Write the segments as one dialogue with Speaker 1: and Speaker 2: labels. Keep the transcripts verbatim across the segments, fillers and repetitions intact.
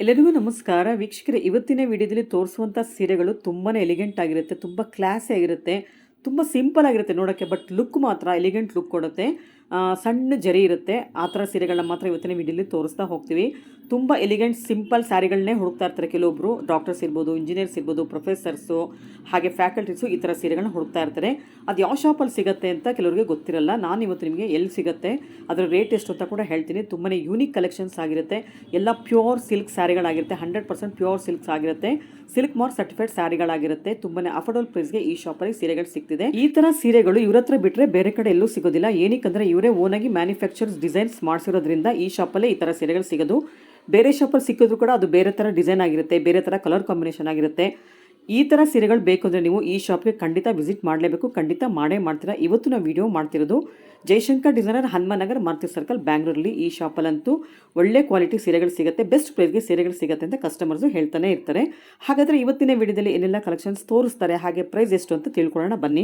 Speaker 1: ಎಲ್ಲರಿಗೂ ನಮಸ್ಕಾರ ವೀಕ್ಷಕರೇ. ಇವತ್ತಿನ ವಿಡಿಯೋದಲ್ಲಿ ತೋರಿಸುವಂಥ ಸೀರೆಗಳು ತುಂಬಾ ಎಲಿಗೆಂಟ್ ಆಗಿರುತ್ತೆ, ತುಂಬ ಕ್ಲಾಸಿ ಆಗಿರುತ್ತೆ, ತುಂಬ ಸಿಂಪಲ್ ಆಗಿರುತ್ತೆ ನೋಡೋಕ್ಕೆ. ಬಟ್ ಲುಕ್ ಮಾತ್ರ ಎಲಿಗೆಂಟ್ ಲುಕ್ ಕೊಡುತ್ತೆ. ಸಣ್ಣ ಜರಿ ಇರುತ್ತೆ. ಆ ಥರ ಸೀರೆಗಳನ್ನ ಮಾತ್ರ ಇವತ್ತಿನ ವಿಡಿಯೋಲಿ ತೋರಿಸ್ತಾ ಹೋಗ್ತೀವಿ. ತುಂಬ ಎಲಿಗೆಂಟ್ ಸಿಂಪಲ್ ಸ್ಯಾರಿಗಳನ್ನೇ ಹುಡುಕ್ತಾ ಇರ್ತಾರೆ ಕೆಲವೊಬ್ಬರು. ಡಾಕ್ಟರ್ಸ್ ಇರ್ಬೋದು, ಇಂಜಿನಿಯರ್ಸ್ ಇರ್ಬೋದು, ಪ್ರೊಫೆಸರ್ಸು, ಹಾಗೆ ಫ್ಯಾಕಲ್ಟೀಸು ಈ ಥರ ಸೀರೆಗಳನ್ನ ಹುಡುಕ್ತಾ ಇರ್ತಾರೆ. ಅದು ಯಾವ ಶಾಪಲ್ಲಿ ಸಿಗುತ್ತೆ ಅಂತ ಕೆಲವರಿಗೆ ಗೊತ್ತಿರಲ್ಲ. ನಾನು ಇವತ್ತು ನಿಮಗೆ ಎಲ್ಲಿ ಸಿಗುತ್ತೆ, ಅದರ ರೇಟ್ ಎಷ್ಟು ಅಂತ ಕೂಡ ಹೇಳ್ತೀನಿ. ತುಂಬಾ ಯೂನಿಕ್ ಕಲೆಕ್ಷನ್ಸ್ ಆಗಿರುತ್ತೆ. ಎಲ್ಲ ಪ್ಯೂರ್ ಸಿಲ್ಕ್ ಸ್ಯಾರಿಗಳಾಗಿರುತ್ತೆ, ಹಂಡ್ರೆಡ್ ಪರ್ಸೆಂಟ್ ಪ್ಯೂರ್ ಸಿಲ್ಕ್ಸ್ ಆಗಿರುತ್ತೆ. ಸಿಲ್ಕ್ ಮಾರ್ಕ್ ಸರ್ಟಿಫೈಡ್ ಸ್ಯಾರಿಗಳಾಗಿರುತ್ತೆ. ತುಂಬಾ ಅಫೋರ್ಡಬಲ್ ಪ್ರೈಸ್ಗೆ ಈ ಶಾಪಲ್ಲಿ ಸೀರೆಗಳು ಸಿಗ್ತಿದೆ. ಈ ಥರ ಸೀರೆಗಳು ಇವ್ರ ಹತ್ರ ಬಿಟ್ಟರೆ ಬೇರೆ ಕಡೆ ಎಲ್ಲೂ ಸಿಗೋದಿಲ್ಲ. ಏನಕ್ಕಂದ್ರೆ ಇವರೇ ಓನಾಗಿ ಮ್ಯಾನುಫ್ಯಾಕ್ಚರ್ಸ್ ಡಿಸೈನ್ಸ್ ಮಾಡಿಸಿರೋದ್ರಿಂದ ಈ ಶಾಪಲ್ಲೇ ಈ ಥರ ಸೀರೆಗಳು ಸಿಗೋದು. ಬೇರೆ ಶಾಪಲ್ಲಿ ಸಿಕ್ಕಿದ್ರು ಕೂಡ ಅದು ಬೇರೆ ಥರ ಡಿಸೈನ್ ಆಗಿರುತ್ತೆ, ಬೇರೆ ಥರ ಕಲರ್ ಕಾಂಬಿನೇಷನ್ ಆಗಿರುತ್ತೆ. ಈ ಥರ ಸೀರೆಗಳು ಬೇಕು ಅಂದರೆ ನೀವು ಈ ಶಾಪ್ಗೆ ಖಂಡಿತ ವಿಸಿಟ್ ಮಾಡಲೇಬೇಕು, ಖಂಡಿತ ಮಾಡೇ ಮಾಡ್ತೀರಾ. ಇವತ್ತು ನಾವು ವಿಡಿಯೋ ಮಾಡ್ತಿರೋದು ಜಯಶಂಕರ್ ಡಿಸೈನರ್, ಹನುಮನಗರ್, ಮಾರುತಿ ಸರ್ಕಲ್, ಬ್ಯಾಂಗ್ಳೂರಲ್ಲಿ. ಈ ಶಾಪಲ್ಲಂತೂ ಒಳ್ಳೆ ಕ್ವಾಲಿಟಿ ಸೀರೆಗಳು ಸಿಗುತ್ತೆ, ಬೆಸ್ಟ್ ಪ್ರೈಸ್ಗೆ ಸೀರೆಗಳು ಸಿಗುತ್ತೆ ಅಂತ ಕಸ್ಟಮರ್ಸು ಹೇಳ್ತಾನೆ ಇರ್ತಾರೆ. ಹಾಗಾದರೆ ಇವತ್ತಿನ ವಿಡಿಯೋದಲ್ಲಿ ಏನೆಲ್ಲ ಕಲೆಕ್ಷನ್ಸ್ ತೋರಿಸ್ತಾರೆ, ಹಾಗೆ ಪ್ರೈಸ್ ಎಷ್ಟು ಅಂತ ತಿಳ್ಕೊಳ್ಳೋಣ ಬನ್ನಿ.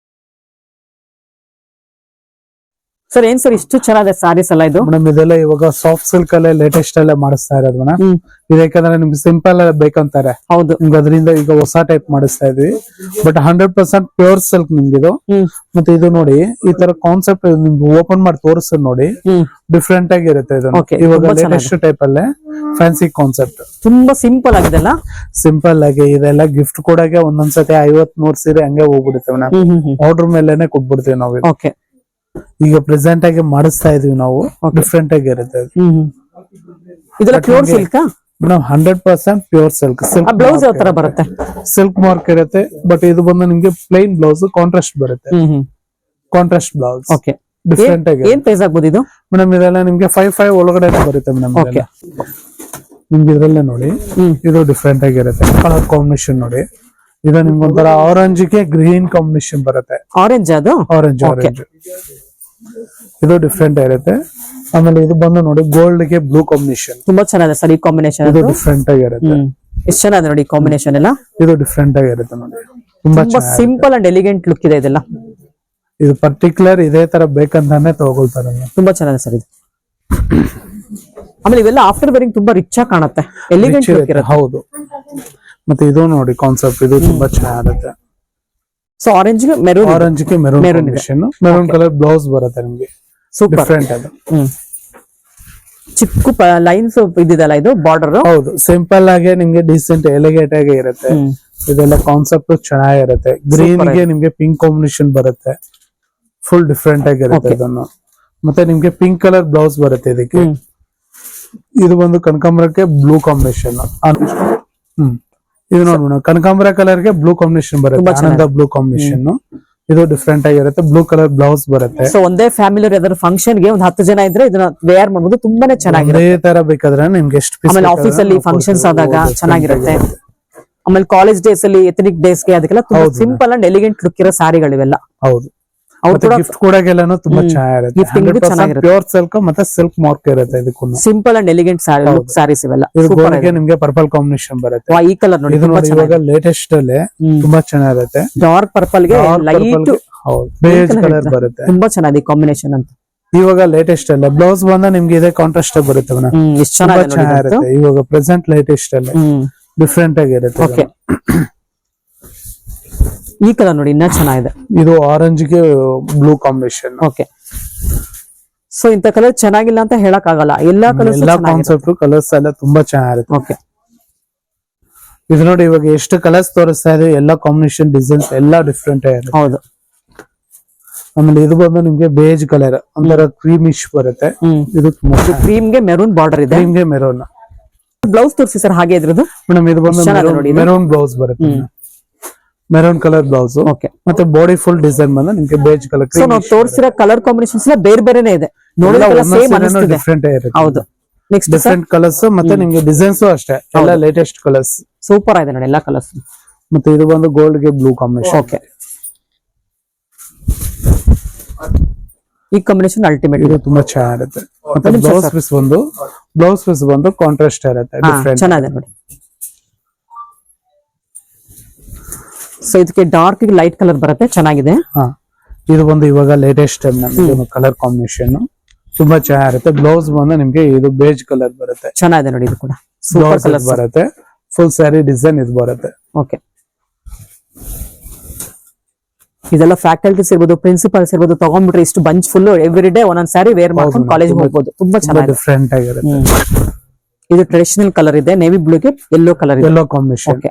Speaker 1: ಸರ್ ಏನ್ ಸರ್ ಇಷ್ಟು ಚೆನ್ನಾಗಿದೆ ಸಾರೀಸ್ ಎಲ್ಲ ಇದು?
Speaker 2: ಮೇಡಮ್ ಇದೆಲ್ಲ ಇವಾಗ ಸಾಫ್ಟ್ ಸಿಲ್ಕ್ ಅಲ್ಲೇ ಲೇಟೆಸ್ಟ್ ಅಲ್ಲೇ ಮಾಡಿಸ್ತಾ ಇರೋದು ಮೇಡಮ್. ಇದಕ್ಕಂದ್ರೆ ನಿಮ್ಗೆ ಸಿಂಪಲ್ ಬೇಕಂತಾರೆ.
Speaker 1: ಹೌದು,
Speaker 2: ನಿಮ್ಗೆ ಅದರಿಂದ ಈಗ ಹೊಸ ಟೈಪ್ ಮಾಡಿಸ್ತಾ ಇದ್ವಿ. But hundred percent pure silk ನಿಮ್ಗೆ ಇದು. ಮತ್ತೆ ಇದು ನೋಡಿ, ಈ ತರ ಕಾನ್ಸೆಪ್ಟ್ ನಿಮ್ಗೆ ಓಪನ್ ಮಾಡಿ ತೋರಿಸ್ ನೋಡಿ, ಡಿಫ್ರೆಂಟ್ ಆಗಿರುತ್ತೆ ಇದು. ಇವಾಗ ಲೇಟೆಸ್ಟ್ ಟೈಪ್ ಅಲ್ಲೇ ಫ್ಯಾನ್ಸಿ ಕಾನ್ಸೆಪ್ಟ್,
Speaker 1: ತುಂಬಾ ಸಿಂಪಲ್ ಆಗಿದೆ.
Speaker 2: ಸಿಂಪಲ್ ಆಗಿ ಇದೆಲ್ಲ ಗಿಫ್ಟ್ ಕೊಡಕ್ಕೆ ಒಂದೊಂದ್ಸತಿ ಐವತ್ ನೂರ್ ಸೀರೆ ಹಂಗೆ ಹೋಗ್ಬಿಡುತ್ತೆ ಮೇಡಮ್. ಆರ್ಡರ್ ಮೇಲೆನೆ ಕೊಟ್ಬಿಡ್ತೀವಿ ನಾವು.
Speaker 1: ಓಕೆ,
Speaker 2: ಈಗ ಪ್ರೆಸೆಂಟ್ ಆಗಿ ಮಾಡಿಸ್ತಾ ಇದೀವಿ ನಾವು. ಡಿಫ್ರೆಂಟ್ ಆಗಿ ಇರುತ್ತೆ.
Speaker 1: ಇದೆಲ್ಲ pure silk
Speaker 2: madam, hundred percent pure silk. Silk
Speaker 1: blouse ಯಾವ ತರ ಬರುತ್ತೆ?
Speaker 2: ಸಿಲ್ಕ್ ಮಾರ್ಕ್ ಇರುತ್ತೆ. ಬಟ್ ಇದು ಬಂದು ನಿಮ್ಗೆ ಪ್ಲೈನ್ ಬ್ಲೌಸ್ ಕಾಂಟ್ರಾಸ್ಟ್ ಬರುತ್ತೆ. Contrast blouse.
Speaker 1: ಓಕೆ,
Speaker 2: ಡಿಫ್ರೆಂಟ್ ಆಗಿ
Speaker 1: ಏನ್ ಪ್ರೈಸ್ ಆಗ್ಬೋದು ಇದು?
Speaker 2: ಮೇಡಮ್ ಇದೆಲ್ಲ ನಿಮ್ಗೆ ಫೈವ್ ಫೈವ್ ಒಳಗಡೆ ಬರುತ್ತೆ ಮೇಡಮ್.
Speaker 1: ಓಕೆ,
Speaker 2: ನಿಮ್ಗೆ ಇದ್ರಲ್ಲೇ ನೋಡಿ, ಇದು ಡಿಫ್ರೆಂಟ್ ಆಗಿರುತ್ತೆ. ಕಲರ್ ಕಾಂಬಿನೇಷನ್ ನೋಡಿ, ಇದು ನಿಮ್ಗೆ ಒಂಥರ ಆರೆಂಜ್ ಗೆ ಗ್ರೀನ್ ಕಾಂಬಿನೇಷನ್ ಬರುತ್ತೆ.
Speaker 1: ಆರೆಂಜ್, ಅದು
Speaker 2: ಆರೆಂಜ್ ಆರೆಂಜ್ ಇದು ಡಿಫ್ರೆಂಟ್ ಆಗಿರುತ್ತೆ. ಆಮೇಲೆ ಇದು ಬಂದು ನೋಡಿ, ಗೋಲ್ಡ್ ಗೆ ಬ್ಲೂ ಕಾಂಬಿನೇಷನ್.
Speaker 1: ತುಂಬಾ ಚೆನ್ನಾಗಿದೆ ಸರ್ ಈ ಕಾಂಬಿನೇಷನ್.
Speaker 2: ಇದು ಡಿಫ್ರೆಂಟ್ ಆಗಿರುತ್ತೆ.
Speaker 1: ಎಷ್ಟು ಚೆನ್ನಾಗಿದೆ ನೋಡಿ ಕಾಂಬಿನೇಷನ್ ಎಲ್ಲ.
Speaker 2: ಇದು ಡಿಫ್ರೆಂಟ್ ಆಗಿರುತ್ತೆ ನೋಡಿ, ತುಂಬಾ
Speaker 1: ಸಿಂಪಲ್ ಅಂಡ್ ಎಲಿಗೆಂಟ್ ಲುಕ್ ಇದೆ ಇದೆಲ್ಲ.
Speaker 2: ಇದು ಪರ್ಟಿಕ್ಯುಲರ್ ಇದೇ ತರ ಬೇಕಂತಾನೆ ತಗೊಳ್ತಾರೆ. ತುಂಬಾ
Speaker 1: ಚೆನ್ನಾಗಿದೆ ಸರ್ ಇದು. ಆಮೇಲೆ ಇವೆಲ್ಲ ಆಫ್ಟರ್ ವೇರಿಂಗ್ ತುಂಬಾ ರಿಚ್ ಆಗಿ ಕಾಣುತ್ತೆ, ಎಲಿಗೆಂಟ್ ಲುಕ್ ಇರುತ್ತೆ.
Speaker 2: ಹೌದು. ಮತ್ತೆ ಇದು ನೋಡಿ ಕಾನ್ಸೆಪ್ಟ್, ಇದು ತುಂಬಾ ಚೆನ್ನಾಗಿರುತ್ತೆ.
Speaker 1: ಸೊ ಆರೆಂಜ್ ಗೆ ಮೆರೂನ್,
Speaker 2: ಆರೆಂಜ್ ಗೆ maroon combination, maroon colour blouse ಬರುತ್ತೆ ನಿಮ್ಗೆ.
Speaker 1: ಸೂಪರ್
Speaker 2: ಡಿಫ್ರೆಂಟ್ ಅದು.
Speaker 1: ಚಿಕ್ಕ ಲೈನ್ಸ್ ಇದಿದೆಲ್ಲ, ಇದು ಬಾರ್ಡರ್.
Speaker 2: ಹೌದು, ಸಿಂಪಲ್ ಆಗಿ ನಿಮ್ಗೆ ಡಿಸೆಂಟ್ ಎಲಿಗೇಟ್ ಆಗಿ ಇರುತ್ತೆ. ಇದೆಲ್ಲ ಕಾನ್ಸೆಪ್ಟ್ ಚೆನ್ನಾಗಿರುತ್ತೆ. ಗ್ರೀನ್ ಗೆ ನಿಮ್ಗೆ ಪಿಂಕ್ ಕಾಂಬಿನೇಷನ್ ಬರುತ್ತೆ, ಫುಲ್ ಡಿಫ್ರೆಂಟ್ ಆಗಿರುತ್ತೆ ಇದನ್ನು. ಮತ್ತೆ ನಿಮ್ಗೆ ಪಿಂಕ್ ಕಲರ್ ಬ್ಲೌಸ್ ಬರುತ್ತೆ ಇದಕ್ಕೆ. ಇದು ಬಂದು ಕನಕಾಂಬರಕ್ಕೆ ಬ್ಲೂ ಕಾಂಬಿನೇಷನ್. ಹ್ಮ್ ಇದು ನೋಡ್ಬೋಣ, ಕನಕಾಂಬರ ಕಲರ್ ಗೆ ಬ್ಲೂ ಕಾಂಬಿನೇಷನ್ ಬರುತ್ತೆ, ಆನಂದ ಬ್ಲೂ ಕಾಂಬಿನೇಷನ್. ಇದು ಡಿಫ್ರೆಂಟ್ ಆಗಿರುತ್ತೆ. ಬ್ಲೂ ಕಲರ್ ಬ್ಲೌಸ್ ಬರುತ್ತೆ.
Speaker 1: ಸೊ ಒಂದೇ ಫ್ಯಾಮಿಲಿ ಯಾವ್ದಾದ್ರು ಫಂಕ್ಷನ್ ಗೆ ಒಂದು ಹತ್ತು ಜನ ಇದ್ರೆ ಇದನ್ನ ವೇರ್ ಮಾಡಬಹುದು, ತುಂಬಾನೇ ಚೆನ್ನಾಗಿರುತ್ತೆ.
Speaker 2: ಇದೇ ತರ ಬೇಕಾದ್ರೆ ನಿಮ್ಗೆ ಎಷ್ಟು ಪೀಸ್.
Speaker 1: ಆಮೇಲೆ ಆಫೀಸ್ ಅಲ್ಲಿ ಫಂಕ್ಷನ್ಸ್ ಆದಾಗ ಚೆನ್ನಾಗಿರುತ್ತೆ. ಆಮೇಲೆ ಕಾಲೇಜ್ ಡೇಸ್ ಅಲ್ಲಿ, ಎಥನಿಕ್ ಡೇಸ್ ಗೆ ಅದಕ್ಕೆಲ್ಲ ತುಂಬಾ ಸಿಂಪಲ್ ಅಂಡ್ ಎಲಿಗೆಂಟ್ ಲುಕ್ ಇರೋ ಸಾರಿಗಳಿವೆಲ್ಲ.
Speaker 2: ಹೌದು, ಗಿಫ್ಟ್ ಕೊಡಗೆಲ್ಲಾನು ತುಂಬಾ ಚೆನ್ನಾಗಿರುತ್ತೆ. ಪ್ಯೂರ್ ಸಿಲ್ಕ್ ಮತ್ತೆ ಸಿಲ್ಕ್ ಮಾರ್ಕ್ ಇರುತ್ತೆ ಇದಕ್ಕೂ.
Speaker 1: ಸಿಂಪಲ್ ಅಂಡ್ ಎಲಿಗೆಂಟ್ ಸಾರೀಸ್ ಇವೆಲ್ಲ.
Speaker 2: ನಿಮ್ಗೆ ಪರ್ಪಲ್ ಕಾಂಬಿನೇಷನ್ ಬರುತ್ತೆ.
Speaker 1: ಈ ಕಲರ್ ನೋಡಿ,
Speaker 2: ಇವಾಗ ಲೇಟೆಸ್ಟ್ ಅಲ್ಲಿ ತುಂಬಾ ಚೆನ್ನಾಗಿರುತ್ತೆ.
Speaker 1: ಡಾರ್ಕ್ ಪರ್ಪಲ್ ಗೆ ಲೈಟ್
Speaker 2: ಬೇಜ್ ಕಲರ್ ಬರುತ್ತೆ.
Speaker 1: ತುಂಬಾ ಚೆನ್ನಾಗಿದೆ ಕಾಂಬಿನೇಷನ್ ಅಂತ.
Speaker 2: ಇವಾಗ ಲೇಟೆಸ್ಟ್ ಅಲ್ಲೇ ಬ್ಲೌಸ್ ಬಂದ ನಿಮ್ಗೆ ಇದೇ ಕಾಂಟ್ರಾಸ್ಟ್ ಬರುತ್ತೆ ಮೇಡಮ್. ಚೆನ್ನಾಗಿರುತ್ತೆ. ಇವಾಗ ಪ್ರೆಸೆಂಟ್ ಲೇಟೆಸ್ಟ್ ಅಲ್ಲೇ ಡಿಫ್ರೆಂಟ್ ಆಗಿರುತ್ತೆ.
Speaker 1: ಓಕೆ, ಈ ಕಲರ್ ನೋಡಿ ಇನ್ನ ಚೆನ್ನಾಗಿದೆ.
Speaker 2: ಇದು ಆರೆಂಜ್ ಗೆ ಬ್ಲೂ ಕಾಂಬಿನೇಷನ್.
Speaker 1: ಓಕೆ, ಸೊ ಇಂತ ಕಲರ್ ಚೆನ್ನಾಗಿಲ್ಲ ಅಂತ ಹೇಳಕ್ ಆಗಲ್ಲ. ಎಲ್ಲಾ ಕಲರ್ಸ್,
Speaker 2: ಎಲ್ಲಾ ಕಾನ್ಸೆಪ್ಟ್ ಕಲರ್ಸ್ ಎಲ್ಲ ತುಂಬಾ ಚೆನ್ನಾಗಿರುತ್ತೆ.
Speaker 1: ಓಕೆ,
Speaker 2: ಇದು ನೋಡಿ ಇವಾಗ ಎಷ್ಟು ಕಲರ್ಸ್ ತೋರಿಸ್ತಾ ಇದೆ, ಎಲ್ಲಾ ಕಾಂಬಿನೇಷನ್ ಡಿಸೈನ್ಸ್ ಎಲ್ಲಾ ಡಿಫ್ರೆಂಟ್ ಆಗಿರುತ್ತೆ.
Speaker 1: ಹೌದು.
Speaker 2: ಆಮೇಲೆ ಇದು ಬಂದು ನಿಮ್ಗೆ ಬೇಜ್ ಕಲರ್, ಒಂಥರ ಕ್ರೀಮಿಶ್ ಬರುತ್ತೆ. ಇದು ತುಂಬಾ
Speaker 1: ಕ್ರೀಮ್ ಗೆ ಮೆರೂನ್ ಬಾರ್ಡರ್ ಇದೆ.
Speaker 2: ಕ್ರೀಮ್ ಗೆ ಮೆರೂನ್
Speaker 1: ಬ್ಲೌಸ್ ತೋರಿಸಿ ಸರ್ ಹಾಗೆ ಇದ್ರದ್ದು.
Speaker 2: ಮೇಡಮ್ ಇದು ಬಂದು ಮೆರೂನ್ ಬ್ಲೌಸ್ ಬರುತ್ತೆ, ಮೆರೂನ್ ಕಲರ್ ಬ್ಲೌಸ್.
Speaker 1: ಓಕೆ,
Speaker 2: ಮತ್ತೆ ಬಾಡಿ ಫುಲ್ ಡಿಸೈನ್ ಬಂದು ನಿಮ್ಗೆ ಬೇಜ್ ಕಲರ್.
Speaker 1: ಸೊ ನಾವು ತೋರಿಸಿರೋ ಕಲರ್ ಕಾಂಬಿನೇಷನ್ಸ್ ಎಲ್ಲ ಬೇರೆ ಬೇರೆನೇ ಇದೆ, ನೋಡಿದ್ರೆ ಸೇಮ್ ಅನಿಸ್ತಿದೆ.
Speaker 2: ಡಿಫ್ರೆಂಟ್ ಆಗಿರುತ್ತೆ.
Speaker 1: ಹೌದು, ನೆಕ್ಸ್ಟ್
Speaker 2: ಡಿಫ್ರೆಂಟ್ ಕಲರ್ಸ್ ಮತ್ತೆ ನಿಮ್ಗೆ ಡಿಸೈನ್ಸ್ ಅಷ್ಟೇ ಎಲ್ಲ ಲೇಟೆಸ್ಟ್ ಕಲರ್ಸ್.
Speaker 1: ಸೂಪರ್ ಆಗಿದೆ ನೋಡಿ ಎಲ್ಲಾ ಕಲರ್ಸ್.
Speaker 2: ಮತ್ತೆ ಇದು ಬಂದು ಗೋಲ್ಡ್ ಗೆ ಬ್ಲೂ ಕಾಂಬಿನೇಷನ್.
Speaker 1: ಓಕೆ, ಈ ಕಾಂಬಿನೇಷನ್ ಅಲ್ಟಿಮೇಟ್.
Speaker 2: ಇದು ತುಂಬಾ ಚೆನ್ನಾಗಿರುತ್ತೆ. ಮತ್ತೆ ಬ್ಲೌಸ್ ಪೀಸ್ ಬಂದು ಬ್ಲೌಸ್ ಪೀಸ್ ಬಂದು ಕಾಂಟ್ರಾಸ್ಟ್ ಇರುತ್ತೆ, ಡಿಫ್ರೆಂಟ್
Speaker 1: ಚೆನ್ನಾಗಿದೆ ನೋಡಿ. ಸೊ ಇದಕ್ಕೆ ಡಾರ್ಕ್ ಲೈಟ್ ಕಲರ್ ಬರುತ್ತೆ, ಚೆನ್ನಾಗಿದೆ.
Speaker 2: ಹಾ, ಇದು ಬಂದು ಇವಾಗ ಲೇಟೆಸ್ಟ್ ಕಲರ್ ಕಾಂಬಿನೇಷನ್ ತುಂಬಾ ಚೆನ್ನಾಗಿರುತ್ತೆ. ಬ್ಲೌಸ್ ಬಂದು ನಿಮ್ಗೆ ಇದು ಬೇಜ್ ಕಲರ್ ಬರುತ್ತೆ,
Speaker 1: ಚೆನ್ನಾಗಿದೆ ನೋಡಿ. ಇದು ಕೂಡ
Speaker 3: ಸೂಪರ್ ಕಲರ್
Speaker 2: ಬರುತ್ತೆ, ಫುಲ್ ಸ್ಯಾರಿ ಡಿಸೈನ್ ಇದು ಬರುತ್ತೆ.
Speaker 3: ಓಕೆ, ಇದೆಲ್ಲ ಫ್ಯಾಕಲ್ಟೀಸ್ ಇರ್ಬೋದು, ಪ್ರಿನ್ಸಿಪಲ್ಸ್ ಇರ್ಬೋದು, ತಗೊಂಡ್ಬಿಟ್ರೆ ಇಷ್ಟು ಬಂಚ್ ಫುಲ್ ಎವ್ರಿ ಡೇ ಒಂದೊಂದ್ ಸ್ಯಾರಿ ವೇರ್ ಮಾಡ್ಕೊಂಡು ಕಾಲೇಜ್ ಹೋಗ್ಬೋದು. ತುಂಬಾ ಚೆನ್ನಾಗಿ
Speaker 2: ಡಿಫ್ರೆಂಟ್ ಆಗಿರುತ್ತೆ.
Speaker 3: ಇದು ಟ್ರೆಡಿಷನಲ್ ಕಲರ್ ಇದೆ, ನೇವಿ ಬ್ಲೂಗೆ ಯೆಲ್ಲೋ ಕಲರ್ ಇದೆ,
Speaker 2: ಯೆಲ್ಲೋ ಕಾಂಬಿನೇಷನ್.
Speaker 3: ಓಕೆ,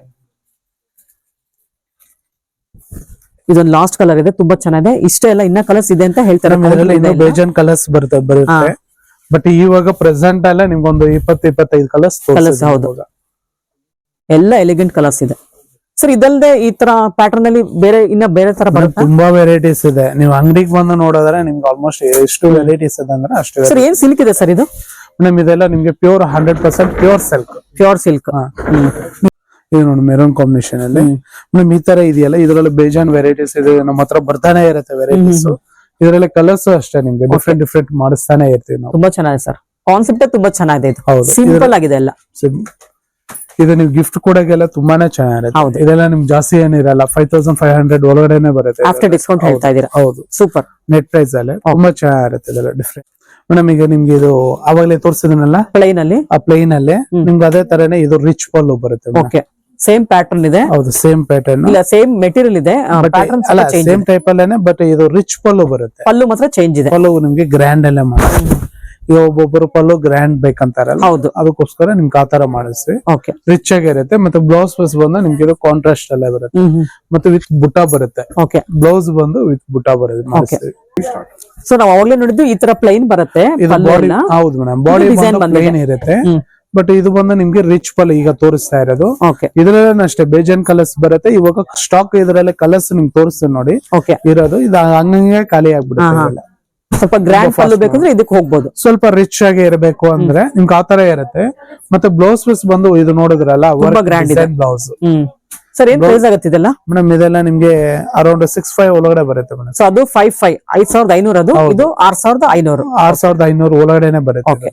Speaker 3: ಇದೊಂದು ಲಾಸ್ಟ್ ಕಲರ್ ಇದೆ, ತುಂಬಾ ಚೆನ್ನಾಗಿದೆ. ಇಷ್ಟೇ ಎಲ್ಲ ಇನ್ನ ಕಲರ್ಸ್ ಇದೆ ಅಂತ ಹೇಳ್ತಾರೆ.
Speaker 2: ಇನ್ನೂ ಬೇಜಾನ್ ಕಲರ್ಸ್ ಬರುತ್ತೆ ಬರುತ್ತೆ ಬಟ್ ಇವಾಗ ಪ್ರೆಸೆಂಟ್ ಅಲ್ಲ ನಿಮ್ಗೊಂದು ಇಪ್ಪತ್ತು ಇಪ್ಪತ್ತೈದು ಕಲರ್ಸ್
Speaker 3: ಕಲರ್ಸ್. ಹೌದು, ಎಲ್ಲ ಎಲಿಗೆಂಟ್ ಕಲರ್ಸ್ ಇದೆ ಸರ್. ಇದಲ್ಲದೆ ಈ ತರ ಪ್ಯಾಟರ್ನ್ ಅಲ್ಲಿ ಬೇರೆ ಇನ್ನ ಬೇರೆ ತರ ಬರುತ್ತೆ,
Speaker 2: ತುಂಬಾ ವೆರೈಟೀಸ್ ಇದೆ. ನೀವು ಅಂಗಡಿಗೆ ಬಂದು ನೋಡಿದ್ರೆ ನಿಮ್ಗೆ ಆಲ್ಮೋಸ್ಟ್ ಎಷ್ಟು ವೆರೈಟೀಸ್ ಇದೆ ಅಂದ್ರೆ ಅಷ್ಟು.
Speaker 3: ಸರ್ ಏನ್ ಸಿಲ್ಕ್ ಇದೆ ಸರ್ ಇದು?
Speaker 2: ಮೇಡಮ್ ಇದೆಲ್ಲ ನಿಮ್ಗೆ pure hundred percent pure silk.
Speaker 3: Pure silk.
Speaker 2: ಇದು ನೋಡಿ ಮೆರೂನ್ ಕಾಂಬಿನೇಷನ್ ಅಲ್ಲಿ ಮೇಡಮ್ ಈ ತರ ಇದೆಯಲ್ಲ, ಇದರಲ್ಲಿ ಬೇಜಾನ್ ವೆರೈಟೀಸ್ ಇದೆ, ನಮ್ಮ ಹತ್ರ ಬರ್ತಾನೆ ಇರುತ್ತೆ ವೆರೈಟೀಸ್. ಇದರಲ್ಲಿ ಕಲರ್ಸ್ ಅಷ್ಟೇ ನಿಮ್ಗೆ ಡಿಫ್ರೆಂಟ್ ಡಿಫ್ರೆಂಟ್ ಮಾಡಿಸ್ತಾನೆ ಇರ್ತೀವಿ ನಾವು.
Speaker 3: ತುಂಬಾ ಚೆನ್ನಾಗಿದೆ ಸರ್, ಕಾನ್ಸೆಪ್ಟ್ ತುಂಬಾ ಚೆನ್ನಾಗಿದೆ. ಇದು
Speaker 2: ಹೌದು,
Speaker 3: ಸಿಂಪಲ್ ಆಗಿದೆ ಎಲ್ಲ.
Speaker 2: ಇದು ನೀವು ಗಿಫ್ಟ್ ಕೊಡೋಕೆಲ್ಲ ತುಂಬಾನೇ ಚೆನ್ನಾಗಿರುತ್ತೆ. ಇದೆಲ್ಲ ನಿಮ್ಗೆ ಜಾಸ್ತಿ ಏನಿರಲ್ಲ, ಫೈವ್ ತೌಸಂಡ್ ಫೈವ್ ಹಂಡ್ರೆಡ್ ಒಳಗಡೆನೆ ಬರುತ್ತೆ.
Speaker 3: ಆಫ್ಟರ್ ಡಿಸ್ಕೌಂಟ್ ಹೇಳ್ತಾ ಇದೀರಾ?
Speaker 2: ಹೌದು,
Speaker 3: ಸೂಪರ್
Speaker 2: ನೆಟ್ ಪ್ರೈಸ್ ಅಲ್ಲಿ ತುಂಬಾ ಚೆನ್ನಾಗಿರುತ್ತೆ. ಇದೆಲ್ಲ ಡಿಫ್ರೆಂಟ್. ಮೇಡಮ್ ಈಗ ನಿಮ್ಗೆ ಇದು ಅವಾಗಲೇ ತೋರಿಸಿದನಲ್ಲ
Speaker 3: ಪ್ಲೈನ್ ಅಲ್ಲಿ,
Speaker 2: ಆ ಪ್ಲೈನ್ ಅಲ್ಲಿ ನಿಮ್ಗೆ ಅದೇ ತರನೇ ಇದು ರಿಚ್ ಪಲ್ಲು ಬರುತ್ತೆ.
Speaker 3: ಓಕೆ, ಸೇಮ್ ಪ್ಯಾಟರ್ನ್ ಇದೆ.
Speaker 2: ಹೌದು, ಸೇಮ್ ಪ್ಯಾಟರ್ನ್
Speaker 3: ಇಲ್ಲ, ಸೇಮ್ ಮೆಟೀರಿಯಲ್ ಇದೆ, ಪ್ಯಾಟರ್ನ್
Speaker 2: ಅಲ್ಲ ಸೇಮ್ ಟೈಪ್ ಅಲ್ಲೇನೆ, ಬಟ್ ಇದು ರಿಚ್ ಪಲ್ಲು ಬರುತ್ತೆ.
Speaker 3: ಪಲ್ಲು ಮಾತ್ರ ಚೇಂಜ್ ಇದೆ.
Speaker 2: ಪಲ್ಲು ನಿಮ್ಗೆ ಗ್ರ್ಯಾಂಡ್ ಅಲ್ಲೇ ಮಾಡಿ, ಈಗ ಒಬ್ಬೊಬ್ಬರು ಪಲ್ಲು ಗ್ರ್ಯಾಂಡ್ ಬೇಕಂತಾರಲ್ಲ,
Speaker 3: ಹೌದು,
Speaker 2: ಅದಕ್ಕೋಸ್ಕರ ನಿಮ್ಗೆ ಆತರ ಮಾಡಿಸ್ವಿ.
Speaker 3: ಓಕೆ,
Speaker 2: ರಿಚ್ ಆಗಿರುತ್ತೆ. ಮತ್ತೆ ಬ್ಲೌಸ್ ಪೀಸ್ ಬಂದು ನಿಮ್ಗೆ ಇದು ಕಾಂಟ್ರಾಸ್ಟ್ ಅಲ್ಲೇ ಬರುತ್ತೆ, ಮತ್ತೆ ವಿತ್ ಬುಟ್ಟ ಬರುತ್ತೆ.
Speaker 3: ಓಕೆ,
Speaker 2: ಬ್ಲೌಸ್ ಬಂದು ವಿತ್ ಬುಟ್ಟ ಬರುತ್ತೆ.
Speaker 3: ಸೊ ನಾವು ಅವಾಗಲೇ ನೋಡಿದ್ದು ಈ ತರ ಪ್ಲೈನ್ ಬರುತ್ತೆ.
Speaker 2: ಬಾಡಿ ಹೌದು ಮೇಡಮ್, ಬಾಡಿ ಪ್ಲೈನ್ ಇರುತ್ತೆ. ಬಟ್ ಇದು ಬಂದು ನಿಮ್ಗೆ ರಿಚ್ ಪಲ್ ಈಗ ತೋರಿಸ್ತಾ ಇರೋದು. ಇದ್ರಲ್ಲೇ ಅಷ್ಟೇ ಬೇಜಾನ್ ಕಲರ್ಸ್ ಬರುತ್ತೆ. ಇವಾಗ ಸ್ಟಾಕ್ ಇದ್ರಲ್ಲೇ ಕಲರ್ಸ್ ನಿಮ್ಗೆ ತೋರಿಸ್ತೀನಿ ನೋಡಿ ಇರೋದು. ಇದು ಹಂಗಂಗೆ ಖಾಲಿ ಆಗ್ಬಿಡುತ್ತೆ.
Speaker 3: ಸ್ವಲ್ಪ ಗ್ರ್ಯಾಂಡ್ ಪಲ್ಲು ಬೇಕಂದ್ರೆ ಇದಕ್ಕೆ ಹೋಗ್ಬೋದು.
Speaker 2: ಸ್ವಲ್ಪ ರಿಚ್ ಆಗಿ ಇರಬೇಕು ಅಂದ್ರೆ ನಿಮ್ಗೆ ಆತರ ಇರುತ್ತೆ. ಮತ್ತೆ ಬ್ಲೌಸ್ ಪೀಸ್ ಬಂದು ಇದು ನೋಡಿದ್ರಲ್ಲ,
Speaker 3: ಗ್ರ್ಯಾಂಡ್ ಬ್ಲೌಸ್. ಸರ್ ಏನ್ ಪ್ರೈಸ್ ಆಗುತ್ತೆ ಇದೆಲ್ಲ?
Speaker 2: ಮೇಡಮ್ ಇದೆಲ್ಲ ನಿಮ್ಗೆ ಅರೌಂಡ್ ಸಿಕ್ಸ್ ಫೈವ್ ಒಳಗಡೆ ಬರುತ್ತೆ ಮೇಡಮ್.
Speaker 3: ಸೊ ಅದು ಫೈವ್ ಫೈವ್ ಐದ್ ಸಾವಿರದ ಐನೂರ, ಅದು ಇದು ಆರ್ ಸಾವಿರದ ಐನೂರು
Speaker 2: ಆರ್ ಸಾವಿರದ ಐನೂರು ಒಳಗಡೆನೆ ಬರುತ್ತೆ.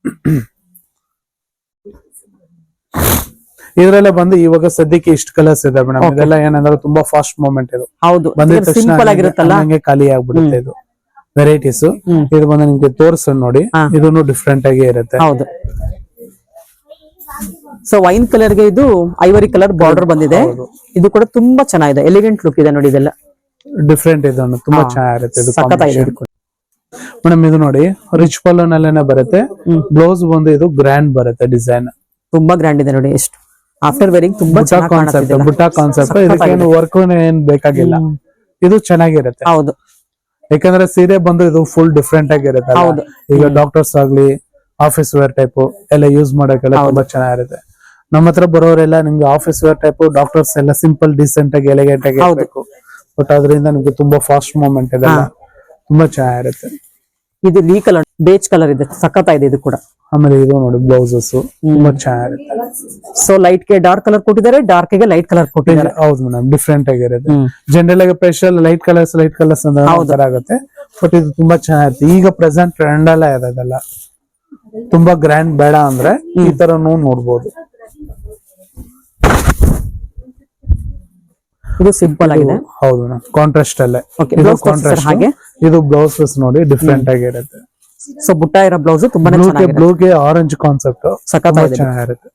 Speaker 2: ಇದ್ರಲ್ಲೇ ಬಂದು ಇವಾಗ ಸದ್ಯಕ್ಕೆ ಇಷ್ಟು ಕಲರ್ಸ್ ಇದೆ ಮೇಡಮ್. ಇದೆಲ್ಲ ಏನಂದ್ರೆ ತುಂಬಾ ಫಾಸ್ಟ್ ಮೂವ್ಮೆಂಟ್ ಇದು.
Speaker 3: ಹೌದು,
Speaker 2: ಬಂದಿದ
Speaker 3: ಸಿಂಪಲ್ ಆಗಿರುತ್ತಲ್ಲ,
Speaker 2: ಹಂಗೆ ಖಾಲಿ ಆಗ್ಬಿಡುತ್ತೆ. ಇದು ವೆರೈಟೀಸ್ ಇದು ಬಂದು ನಿಮ್ಗೆ ತೋರಿಸ್ ನೋಡಿ, ಇದನ್ನು ಡಿಫ್ರೆಂಟ್ ಆಗಿ ಇರುತ್ತೆ.
Speaker 3: ಹೌದು, ಸೊ ವೈನ್ ಕಲರ್ ಗೆ ಇದು ಐವರಿ ಕಲರ್ ಬಾರ್ಡರ್ ಬಂದಿದೆ. ಇದು ಕೂಡ ತುಂಬಾ ಚೆನ್ನಾಗಿದೆ, ಎಲಿಗೆಂಟ್ ಲುಕ್ ಇದೆ ನೋಡಿ. ಇದೆಲ್ಲ
Speaker 2: ಡಿಫ್ರೆಂಟ್ ಇದೆ, ತುಂಬಾ ಚೆನ್ನಾಗಿರುತ್ತೆ. ಮೇಡಮ್ ಇದು ನೋಡಿ ರಿಚ್ ಪಲ್ಲು ನಲ್ಲೇನೆ ಬರುತ್ತೆ. ಬ್ಲೌಸ್ ಬಂದು ಇದು ಗ್ರ್ಯಾಂಡ್ ಬರುತ್ತೆ, ಡಿಸೈನ್
Speaker 3: ತುಂಬಾ ಗ್ರ್ಯಾಂಡ್ ಇದೆ ನೋಡಿ. ಎಷ್ಟು ಆಫ್ಟರ್ ವೇರಿಂಗ್ ತುಂಬಾ
Speaker 2: ಕಾನ್ಸೆಪ್ಟ್, ಬುಟ್ಟ ಕಾನ್ಸೆಪ್ಟ್. ಇದಕ್ಕೇನು ವರ್ಕ್ ಏನ್ ಬೇಕಾಗಿಲ್ಲ, ಇದು ಚೆನ್ನಾಗಿರುತ್ತೆ.
Speaker 3: ಹೌದು,
Speaker 2: ಯಾಕಂದ್ರೆ ಸೀರೆ ಬಂದು ಇದು ಫುಲ್ ಡಿಫ್ರೆಂಟ್ ಆಗಿರುತ್ತೆ. ಈಗ ಡಾಕ್ಟರ್ಸ್ ಆಗ್ಲಿ, ಆಫೀಸ್ ವೇರ್ ಟೈಪ್ ಎಲ್ಲ ಯೂಸ್ ಮಾಡಕ್ಕೆಲ್ಲ ತುಂಬಾ ಚೆನ್ನಾಗಿರುತ್ತೆ. ನಮ್ಮ ಹತ್ರ ಬರೋರೆಲ್ಲ ನಿಮ್ಗೆ ಆಫೀಸ್ ವೇರ್ ಟೈಪ್, ಡಾಕ್ಟರ್ಸ್ ಎಲ್ಲ ಸಿಂಪಲ್ ಡಿಸೆಂಟ್ ಆಗಿ ಎಲಿಗೆಂಟ್ ಆಗಿ ಇರಬೇಕು. ಬಟ್ ಅದರಿಂದ ನಿಮ್ಗೆ ತುಂಬಾ ಫಾಸ್ಟ್ ಮೂವ್ಮೆಂಟ್ ಇದೆ, ತುಂಬಾ ಚೆನ್ನಾಗಿರುತ್ತೆ.
Speaker 3: ಇದು ನೀ ಕಲರ್ ಬೇಜ್ ಕಲರ್ ಇದೆ, ಸಖತ್ತಾಗಿದೆ ಇದು ಕೂಡ.
Speaker 2: ಆಮೇಲೆ ಇದು ನೋಡಿ ಬ್ಲೌಸಸ್ ತುಂಬಾ ಚೆನ್ನಾಗಿರುತ್ತೆ.
Speaker 3: ಸೊ ಲೈಟ್ ಗೆ ಡಾರ್ಕ್ ಕಲರ್ ಕೊಟ್ಟಿದ್ದಾರೆ, ಡಾರ್ಕ್ ಗೆ ಲೈಟ್ ಕಲರ್ ಕೊಟ್ಟಿದ್ದಾರೆ.
Speaker 2: ಹೌದು ಮೇಡಮ್, ಡಿಫ್ರೆಂಟ್ ಆಗಿರುತ್ತೆ. ಜನರಲ್ ಆಗಿ special light colours light colours ಅಂದ್ರೆ ಆಗುತ್ತೆ. ಬಟ್ ಇದು ತುಂಬಾ ಚೆನ್ನಾಗಿರುತ್ತೆ. ಈಗ ಪ್ರೆಸೆಂಟ್ ಟ್ರೆಂಡ್ ಅಲ್ಲ ಇರೋದೆಲ್ಲ. ತುಂಬಾ ಗ್ರ್ಯಾಂಡ್ ಬೇಡ ಅಂದ್ರೆ ಈ ತರನು ನೋಡ್ಬೋದು.
Speaker 3: ಇದು ಸಿಂಪಲ್ ಆಗಿದೆ.
Speaker 2: ಹೌದು ಮೇಡಮ್, ಕಾಂಟ್ರಾಸ್ಟ್ ಅಲ್ಲೇ. ಇದು ಕಾಂಟ್ರಾಸ್ಟ್, ಹಾಗೆ ಇದು ಬ್ಲೌಸ್ ಪೀಸ್ ನೋಡಿ ಡಿಫ್ರೆಂಟ್ ಆಗಿರುತ್ತೆ.
Speaker 3: ಸೊ ಬುಟ್ಟ ಇರೋ ಬ್ಲೌಸ್ ತುಂಬಾನೇ ಚೆನ್ನಾಗಿದೆ.
Speaker 2: ಬ್ಲೂಗೆ ಆರೆಂಜ್ ಕಾನ್ಸೆಪ್ಟ್
Speaker 3: ಸಖತ್ತಾಗಿದೆ,
Speaker 2: ಚೆನ್ನಾಗಿರುತ್ತೆ.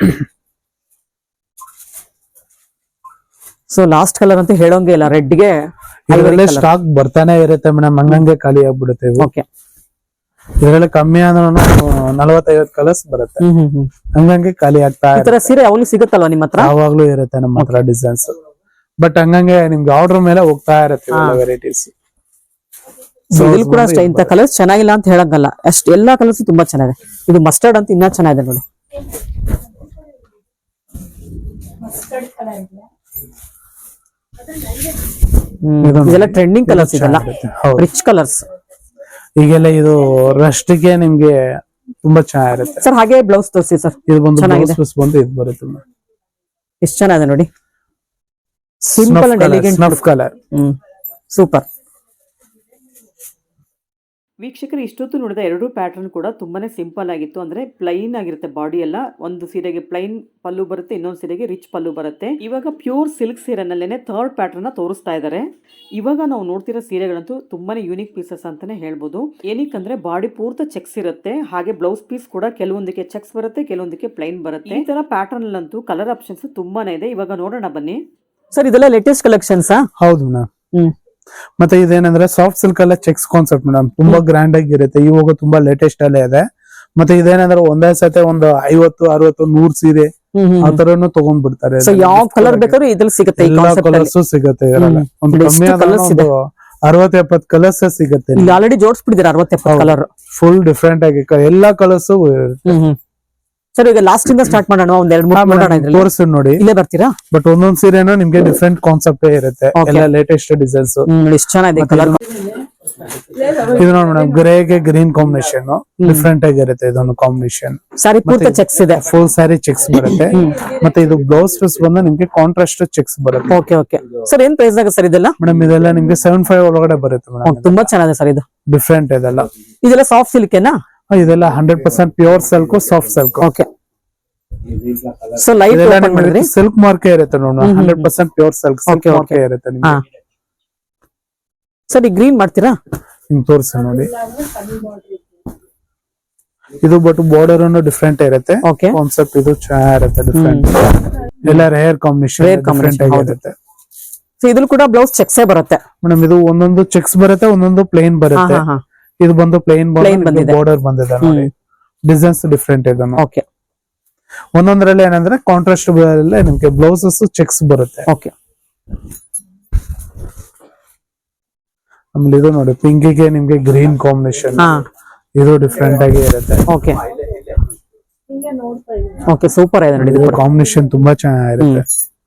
Speaker 3: ಸೊ ಲಾಸ್ಟ್ ಕಲರ್ ಅಂತ ಹೇಳೋಂಗೆ ಇಲ್ಲ, ರೆಡ್ ಗೆ
Speaker 2: ಇದರಲ್ಲೇ ಸ್ಟಾಕ್ ಬರ್ತಾನೆ ಇರುತ್ತೆ ಮೇಡಮ್, ಹಂಗಂಗೆ ಖಾಲಿ ಆಗ್ಬಿಡುತ್ತೆ.
Speaker 3: ಓಕೆ,
Speaker 2: ಇದರಲ್ಲಿ ಕಮ್ಮಿ ಅಂದ್ರೆ ನಲವತ್ತೈವತ್ತು ಕಲರ್ಸ್ ಬರುತ್ತೆ, ಹಂಗಂಗೆ ಖಾಲಿ ಆಗ್ತಾ
Speaker 3: ಇರುತ್ತೆ. ಸೀರೆ ಯಾವಾಗ್ಲೂ ಸಿಗುತ್ತಲ್ವಾ ನಿಮ್ಮ ಹತ್ರ?
Speaker 2: ಯಾವಾಗ್ಲೂ ಇರುತ್ತೆ ನಮ್ಮ ಹತ್ರ ಡಿಸೈನ್ಸ್. ಬಟ್ ಹಂಗಂಗೆ ನಿಮ್ಗೆ ಆರ್ಡರ್ ಮೇಲೆ ಹೋಗ್ತಾ ಇರುತ್ತೆ ವೆರೈಟೀಸ್.
Speaker 3: ಇದ್ರಲ್ಲಿ ಕೂಡ ಅಷ್ಟೇ, ಇಂಥ ಕಲರ್ಸ್ ಚೆನ್ನಾಗಿಲ್ಲ ಅಂತ ಹೇಳಂಗಲ್ಲ, ಅಷ್ಟು ಎಲ್ಲಾ ಕಲರ್ಸ್ ತುಂಬಾ ಚೆನ್ನಾಗಿದೆ. ಇದು ಮಸ್ಟರ್ಡ್ ಅಂತ ಇನ್ನ ಚೆನ್ನಾಗಿದೆ ನೋಡಿ. ಇದೆಲ್ಲ ಟ್ರೆಂಡಿಂಗ್ ಕಲರ್ಸ್ ಇದೆಲ್ಲ, ರಿಚ್ ಕಲರ್ಸ್.
Speaker 2: ಈಗೆಲ್ಲ ಇದು ರಸ್ಟ್ ಗೆ ನಿಮ್ಗೆ ತುಂಬಾ ಚೆನ್ನಾಗಿರುತ್ತೆ
Speaker 3: ಸರ್. ಹಾಗೆ ಬ್ಲೌಸ್ ತೋರಿಸಿ ಸರ್.
Speaker 2: ಇದು ಬಂದು ಬ್ಲೌಸ್ ಬಂದು ಇದು ಬರುತ್ತೆ.
Speaker 3: ಎಷ್ಟು ಚೆನ್ನಾಗಿದೆ ನೋಡಿ, simple and elegant
Speaker 2: snuff colour.
Speaker 3: Hmm, super.
Speaker 1: ವೀಕ್ಷಕರು ಇಷ್ಟೊತ್ತು ನೋಡಿದ ಎರಡೂ ಪ್ಯಾಟರ್ನ್ ಕೂಡ ತುಂಬಾನೇ ಸಿಂಪಲ್ ಆಗಿತ್ತು. ಅಂದ್ರೆ ಪ್ಲೈನ್ ಆಗಿರುತ್ತೆ ಬಾಡಿ ಎಲ್ಲ. ಒಂದು ಸೀರೆಗೆ ಪ್ಲೈನ್ ಪಲ್ಲು ಬರುತ್ತೆ, ಇನ್ನೊಂದು ಸೀರೆಗೆ ರಿಚ್ ಪಲ್ಲು ಬರುತ್ತೆ. ಇವಾಗ ಪ್ಯೂರ್ ಸಿಲ್ಕ್ ಸೀರೆನಲ್ಲೇನೆ ಥರ್ಡ್ ಪ್ಯಾಟರ್ನ್ ತೋರಿಸ್ತಾ ಇದ್ದಾರೆ. ಇವಾಗ ನಾವು ನೋಡ್ತಿರೋ ಸೀರೆಗಳಂತೂ ತುಂಬಾನೇ ಯೂನಿಕ್ ಪೀಸಸ್ ಅಂತಾನೆ ಹೇಳ್ಬೋದು. ಏನಕ್ಕಂದ್ರೆ ಬಾಡಿ ಪೂರ್ತಿ ಚೆಕ್ಸ್ ಇರುತ್ತೆ, ಹಾಗೆ ಬ್ಲೌಸ್ ಪೀಸ್ ಕೂಡ ಕೆಲವೊಂದಕ್ಕೆ ಚೆಕ್ಸ್ ಬರುತ್ತೆ, ಕೆಲವೊಂದಕ್ಕೆ ಪ್ಲೈನ್ ಬರುತ್ತೆ. ಈ ತರ ಪ್ಯಾಟರ್ನ್ ಅಲ್ಲಂತೂ ಕಲರ್ ಆಪ್ಷನ್ಸ್ ತುಂಬಾನೇ ಇದೆ. ಇವಾಗ ನೋಡೋಣ ಬನ್ನಿ
Speaker 3: ಸರ್. ಇದೆಲ್ಲ ಲೇಟೆಸ್ಟ್ ಕಲೆಕ್ಷನ್ಸ್?
Speaker 2: ಹೌದು ಮೇಡಮ್.
Speaker 3: ಹ್ಮ್
Speaker 2: ಮತ್ತೆ ಇದೇನಂದ್ರೆ ಸಾಫ್ಟ್ ಸಿಲ್ಕ್ ಎಲ್ಲ ಚೆಕ್ಸ್ ಕಾನ್ಸೆಪ್ಟ್ ಮೇಡಮ್, ತುಂಬಾ ಗ್ರ್ಯಾಂಡ್ ಆಗಿರುತ್ತೆ. ಇವಾಗ ತುಂಬಾ ಲೇಟೆಸ್ಟ್ ಅಲ್ಲೇ ಇದೆ. ಮತ್ತೆ ಇದೇನಂದ್ರೆ ಒಂದೇ ಸತೆ ಒಂದು ಐವತ್ತು ಅರವತ್ತು ನೂರ್ ಸೀರೆ ಆ ತರನು ತಗೊಂಡ್ ಬಿಡ್ತಾರೆ.
Speaker 3: ಸೊ ಯಾವ ಕಲರ್ ಬೇಕಾದ್ರೂ ಇದ್ರಲ್ಲಿ ಸಿಗುತ್ತೆ,
Speaker 2: ಎಲ್ಲಾ ಕಲರ್ಸ್ ಸಿಗುತ್ತೆ. ಒಂದು ಕಮ್ಮಿ ಒಂದು ಅರವತ್ ಎಪ್ಪತ್ ಕಲರ್ಸ್ ಸಿಗುತ್ತೆ.
Speaker 3: ಇಲ್ಲಿ ಆಲ್ರೆಡಿ ಜೋಡಿಸ್ಬಿಟ್ಟಿದ್ದಾರೆ ಅರವತ್ ಎಪ್ಪತ್ತು ಕಲರ್,
Speaker 2: ಫುಲ್ ಡಿಫ್ರೆಂಟ್ ಆಗಿ ಎಲ್ಲಾ ಕಲರ್ಸ್.
Speaker 3: ಸರ್ ಈಗ ಲಾಸ್ಟ್ ಇಂದ ಸ್ಟಾರ್ಟ್ ಮಾಡೋಣ, ಒಂದ್ ಎರಡು ಮೂರು ನೋಡೋಣ.
Speaker 2: ತೋರಿಸಿ ನೋಡಿ,
Speaker 3: ಇಲ್ಲೇ ಬರ್ತೀರಾ?
Speaker 2: ಬಟ್ ಒಂದೊಂದ್ ಸೀರೆನೂ ನಿಮ್ಗೆ ಡಿಫ್ರೆಂಟ್ ಕಾನ್ಸೆಪ್ಟ್ ಇರುತ್ತೆ, ಎಲ್ಲ ಲೇಟೆಸ್ಟ್ ಡಿಸೈನ್ಸ್.
Speaker 3: ಎಷ್ಟು ಚೆನ್ನಾಗಿದೆ ಕಲರ್.
Speaker 2: ಇದು ನೋಡಿ ಮೇಡಮ್, ಗ್ರೇಗೆ ಗ್ರೀನ್ ಕಾಂಬಿನೇಷನ್ ಡಿಫ್ರೆಂಟ್ ಆಗಿರುತ್ತೆ. ಇದೊಂದು ಕಾಂಬಿನೇಷನ್
Speaker 3: ಸಾರಿ ಪೂರ್ತಿ ಚೆಕ್ಸ್ ಇದೆ,
Speaker 2: ಫುಲ್ ಸ್ಯಾರಿ ಚೆಕ್ಸ್ ಬರುತ್ತೆ. ಮತ್ತೆ ಇದು ಬ್ಲೌಸ್ ಪೀಸ್ ಬಂದು ನಿಮ್ಗೆ ಕಾಂಟ್ರಾಸ್ಟ್ ಚೆಕ್ಸ್ ಬರುತ್ತೆ.
Speaker 3: ಓಕೆ ಓಕೆ ಸರ್, ಏನ್ ಪ್ರೈಸ್ ಆಗುತ್ತೆ ಸರ್ ಇದೆಲ್ಲ?
Speaker 2: ಮೇಡಮ್ ಇದೆಲ್ಲ ನಿಮ್ಗೆ ಸೆವೆನ್ ಫೈವ್ ಒಳಗಡೆ ಬರುತ್ತೆ ಮೇಡಮ್.
Speaker 3: ತುಂಬಾ ಚೆನ್ನಾಗಿದೆ ಸರ್ ಇದು,
Speaker 2: ಡಿಫ್ರೆಂಟ್ ಇದೆಲ್ಲ.
Speaker 3: ಇದೆಲ್ಲ ಸಾಫ್ಟ್ ಸಿಲ್ಕೆನಾ?
Speaker 2: ಇದೆಲ್ಲ hundred percent pure silk, soft silk.
Speaker 3: Okay. So light ಮಾಡಿದ್ರಿ,
Speaker 2: ಸಿಲ್ಕ್ ಮಾರ್ಕೆ ಇರುತ್ತೆ ನೋಡಿ, hundred percent pure silk silk ಮಾರ್ಕೆ ಇರುತ್ತೆ ನಿಮ್ಗೆ.
Speaker 3: ಸರ್ ಈ ಗ್ರೀನ್ ಮಾಡ್ತೀರಾ?
Speaker 2: ನಿಮ್ಗೆ ತೋರಿಸ ನೋಡಿ. ಇದು ಬಟ್ ಬಾರ್ಡರ್ ಅನ್ನು ಡಿಫ್ರೆಂಟ್ ಇರುತ್ತೆ. ಕಾನ್ಸೆಪ್ಟ್ ಇದು ಚೆನ್ನಾಗಿರುತ್ತೆ, ಡಿಫ್ರೆಂಟ್. ಎಲ್ಲ ರೇರ್ ಕಾಂಬಿನೇಷನ್, ಡಿಫ್ರೆಂಟ್ ಆಗಿರುತ್ತೆ.
Speaker 3: ಸೊ ಇದ್ರಲ್ಲಿ ಕೂಡ ಬ್ಲೌಸ್ ಚೆಕ್ಸ್ ಬರುತ್ತೆ
Speaker 2: ಮೇಡಮ್. ಇದು ಒಂದೊಂದು ಚೆಕ್ಸ್ ಬರುತ್ತೆ, ಒಂದೊಂದು ಪ್ಲೇನ್ ಬರುತ್ತೆ. ಇದು ಬಂದು ಪ್ಲೇನ್ ಬಾರ್ಡರ್ ಬಂದಿದೆ ನೋಡಿ, ಡಿಸೈನ್ಸ್ ಡಿಫ್ರೆಂಟ್ ಇದೆ.
Speaker 3: ಓಕೆ.
Speaker 2: ಒಂದೊಂದ್ರಲ್ಲಿ ಏನಂದ್ರೆ ಕಾಂಟ್ರಾಸ್ಟ್ ನಿಮ್ಗೆ ಬ್ಲೌಸಸ್ ಚೆಕ್ಸ್ ಬರುತ್ತೆ.
Speaker 3: ಓಕೆ.
Speaker 2: ಆಮೇಲೆ ಇದು ನೋಡಿ, ಪಿಂಕಿಗೆ ನಿಮ್ಗೆ ಗ್ರೀನ್ ಕಾಂಬಿನೇಷನ್, ಇದು ಡಿಫ್ರೆಂಟ್ ಆಗಿ ಇರುತ್ತೆ.
Speaker 3: ಓಕೆ ಓಕೆ, ಸೂಪರ್ ಇದೆ ನೋಡಿ. ಇದು
Speaker 2: ಕಾಂಬಿನೇಷನ್ ತುಂಬಾ ಚೆನ್ನಾಗಿರುತ್ತೆ.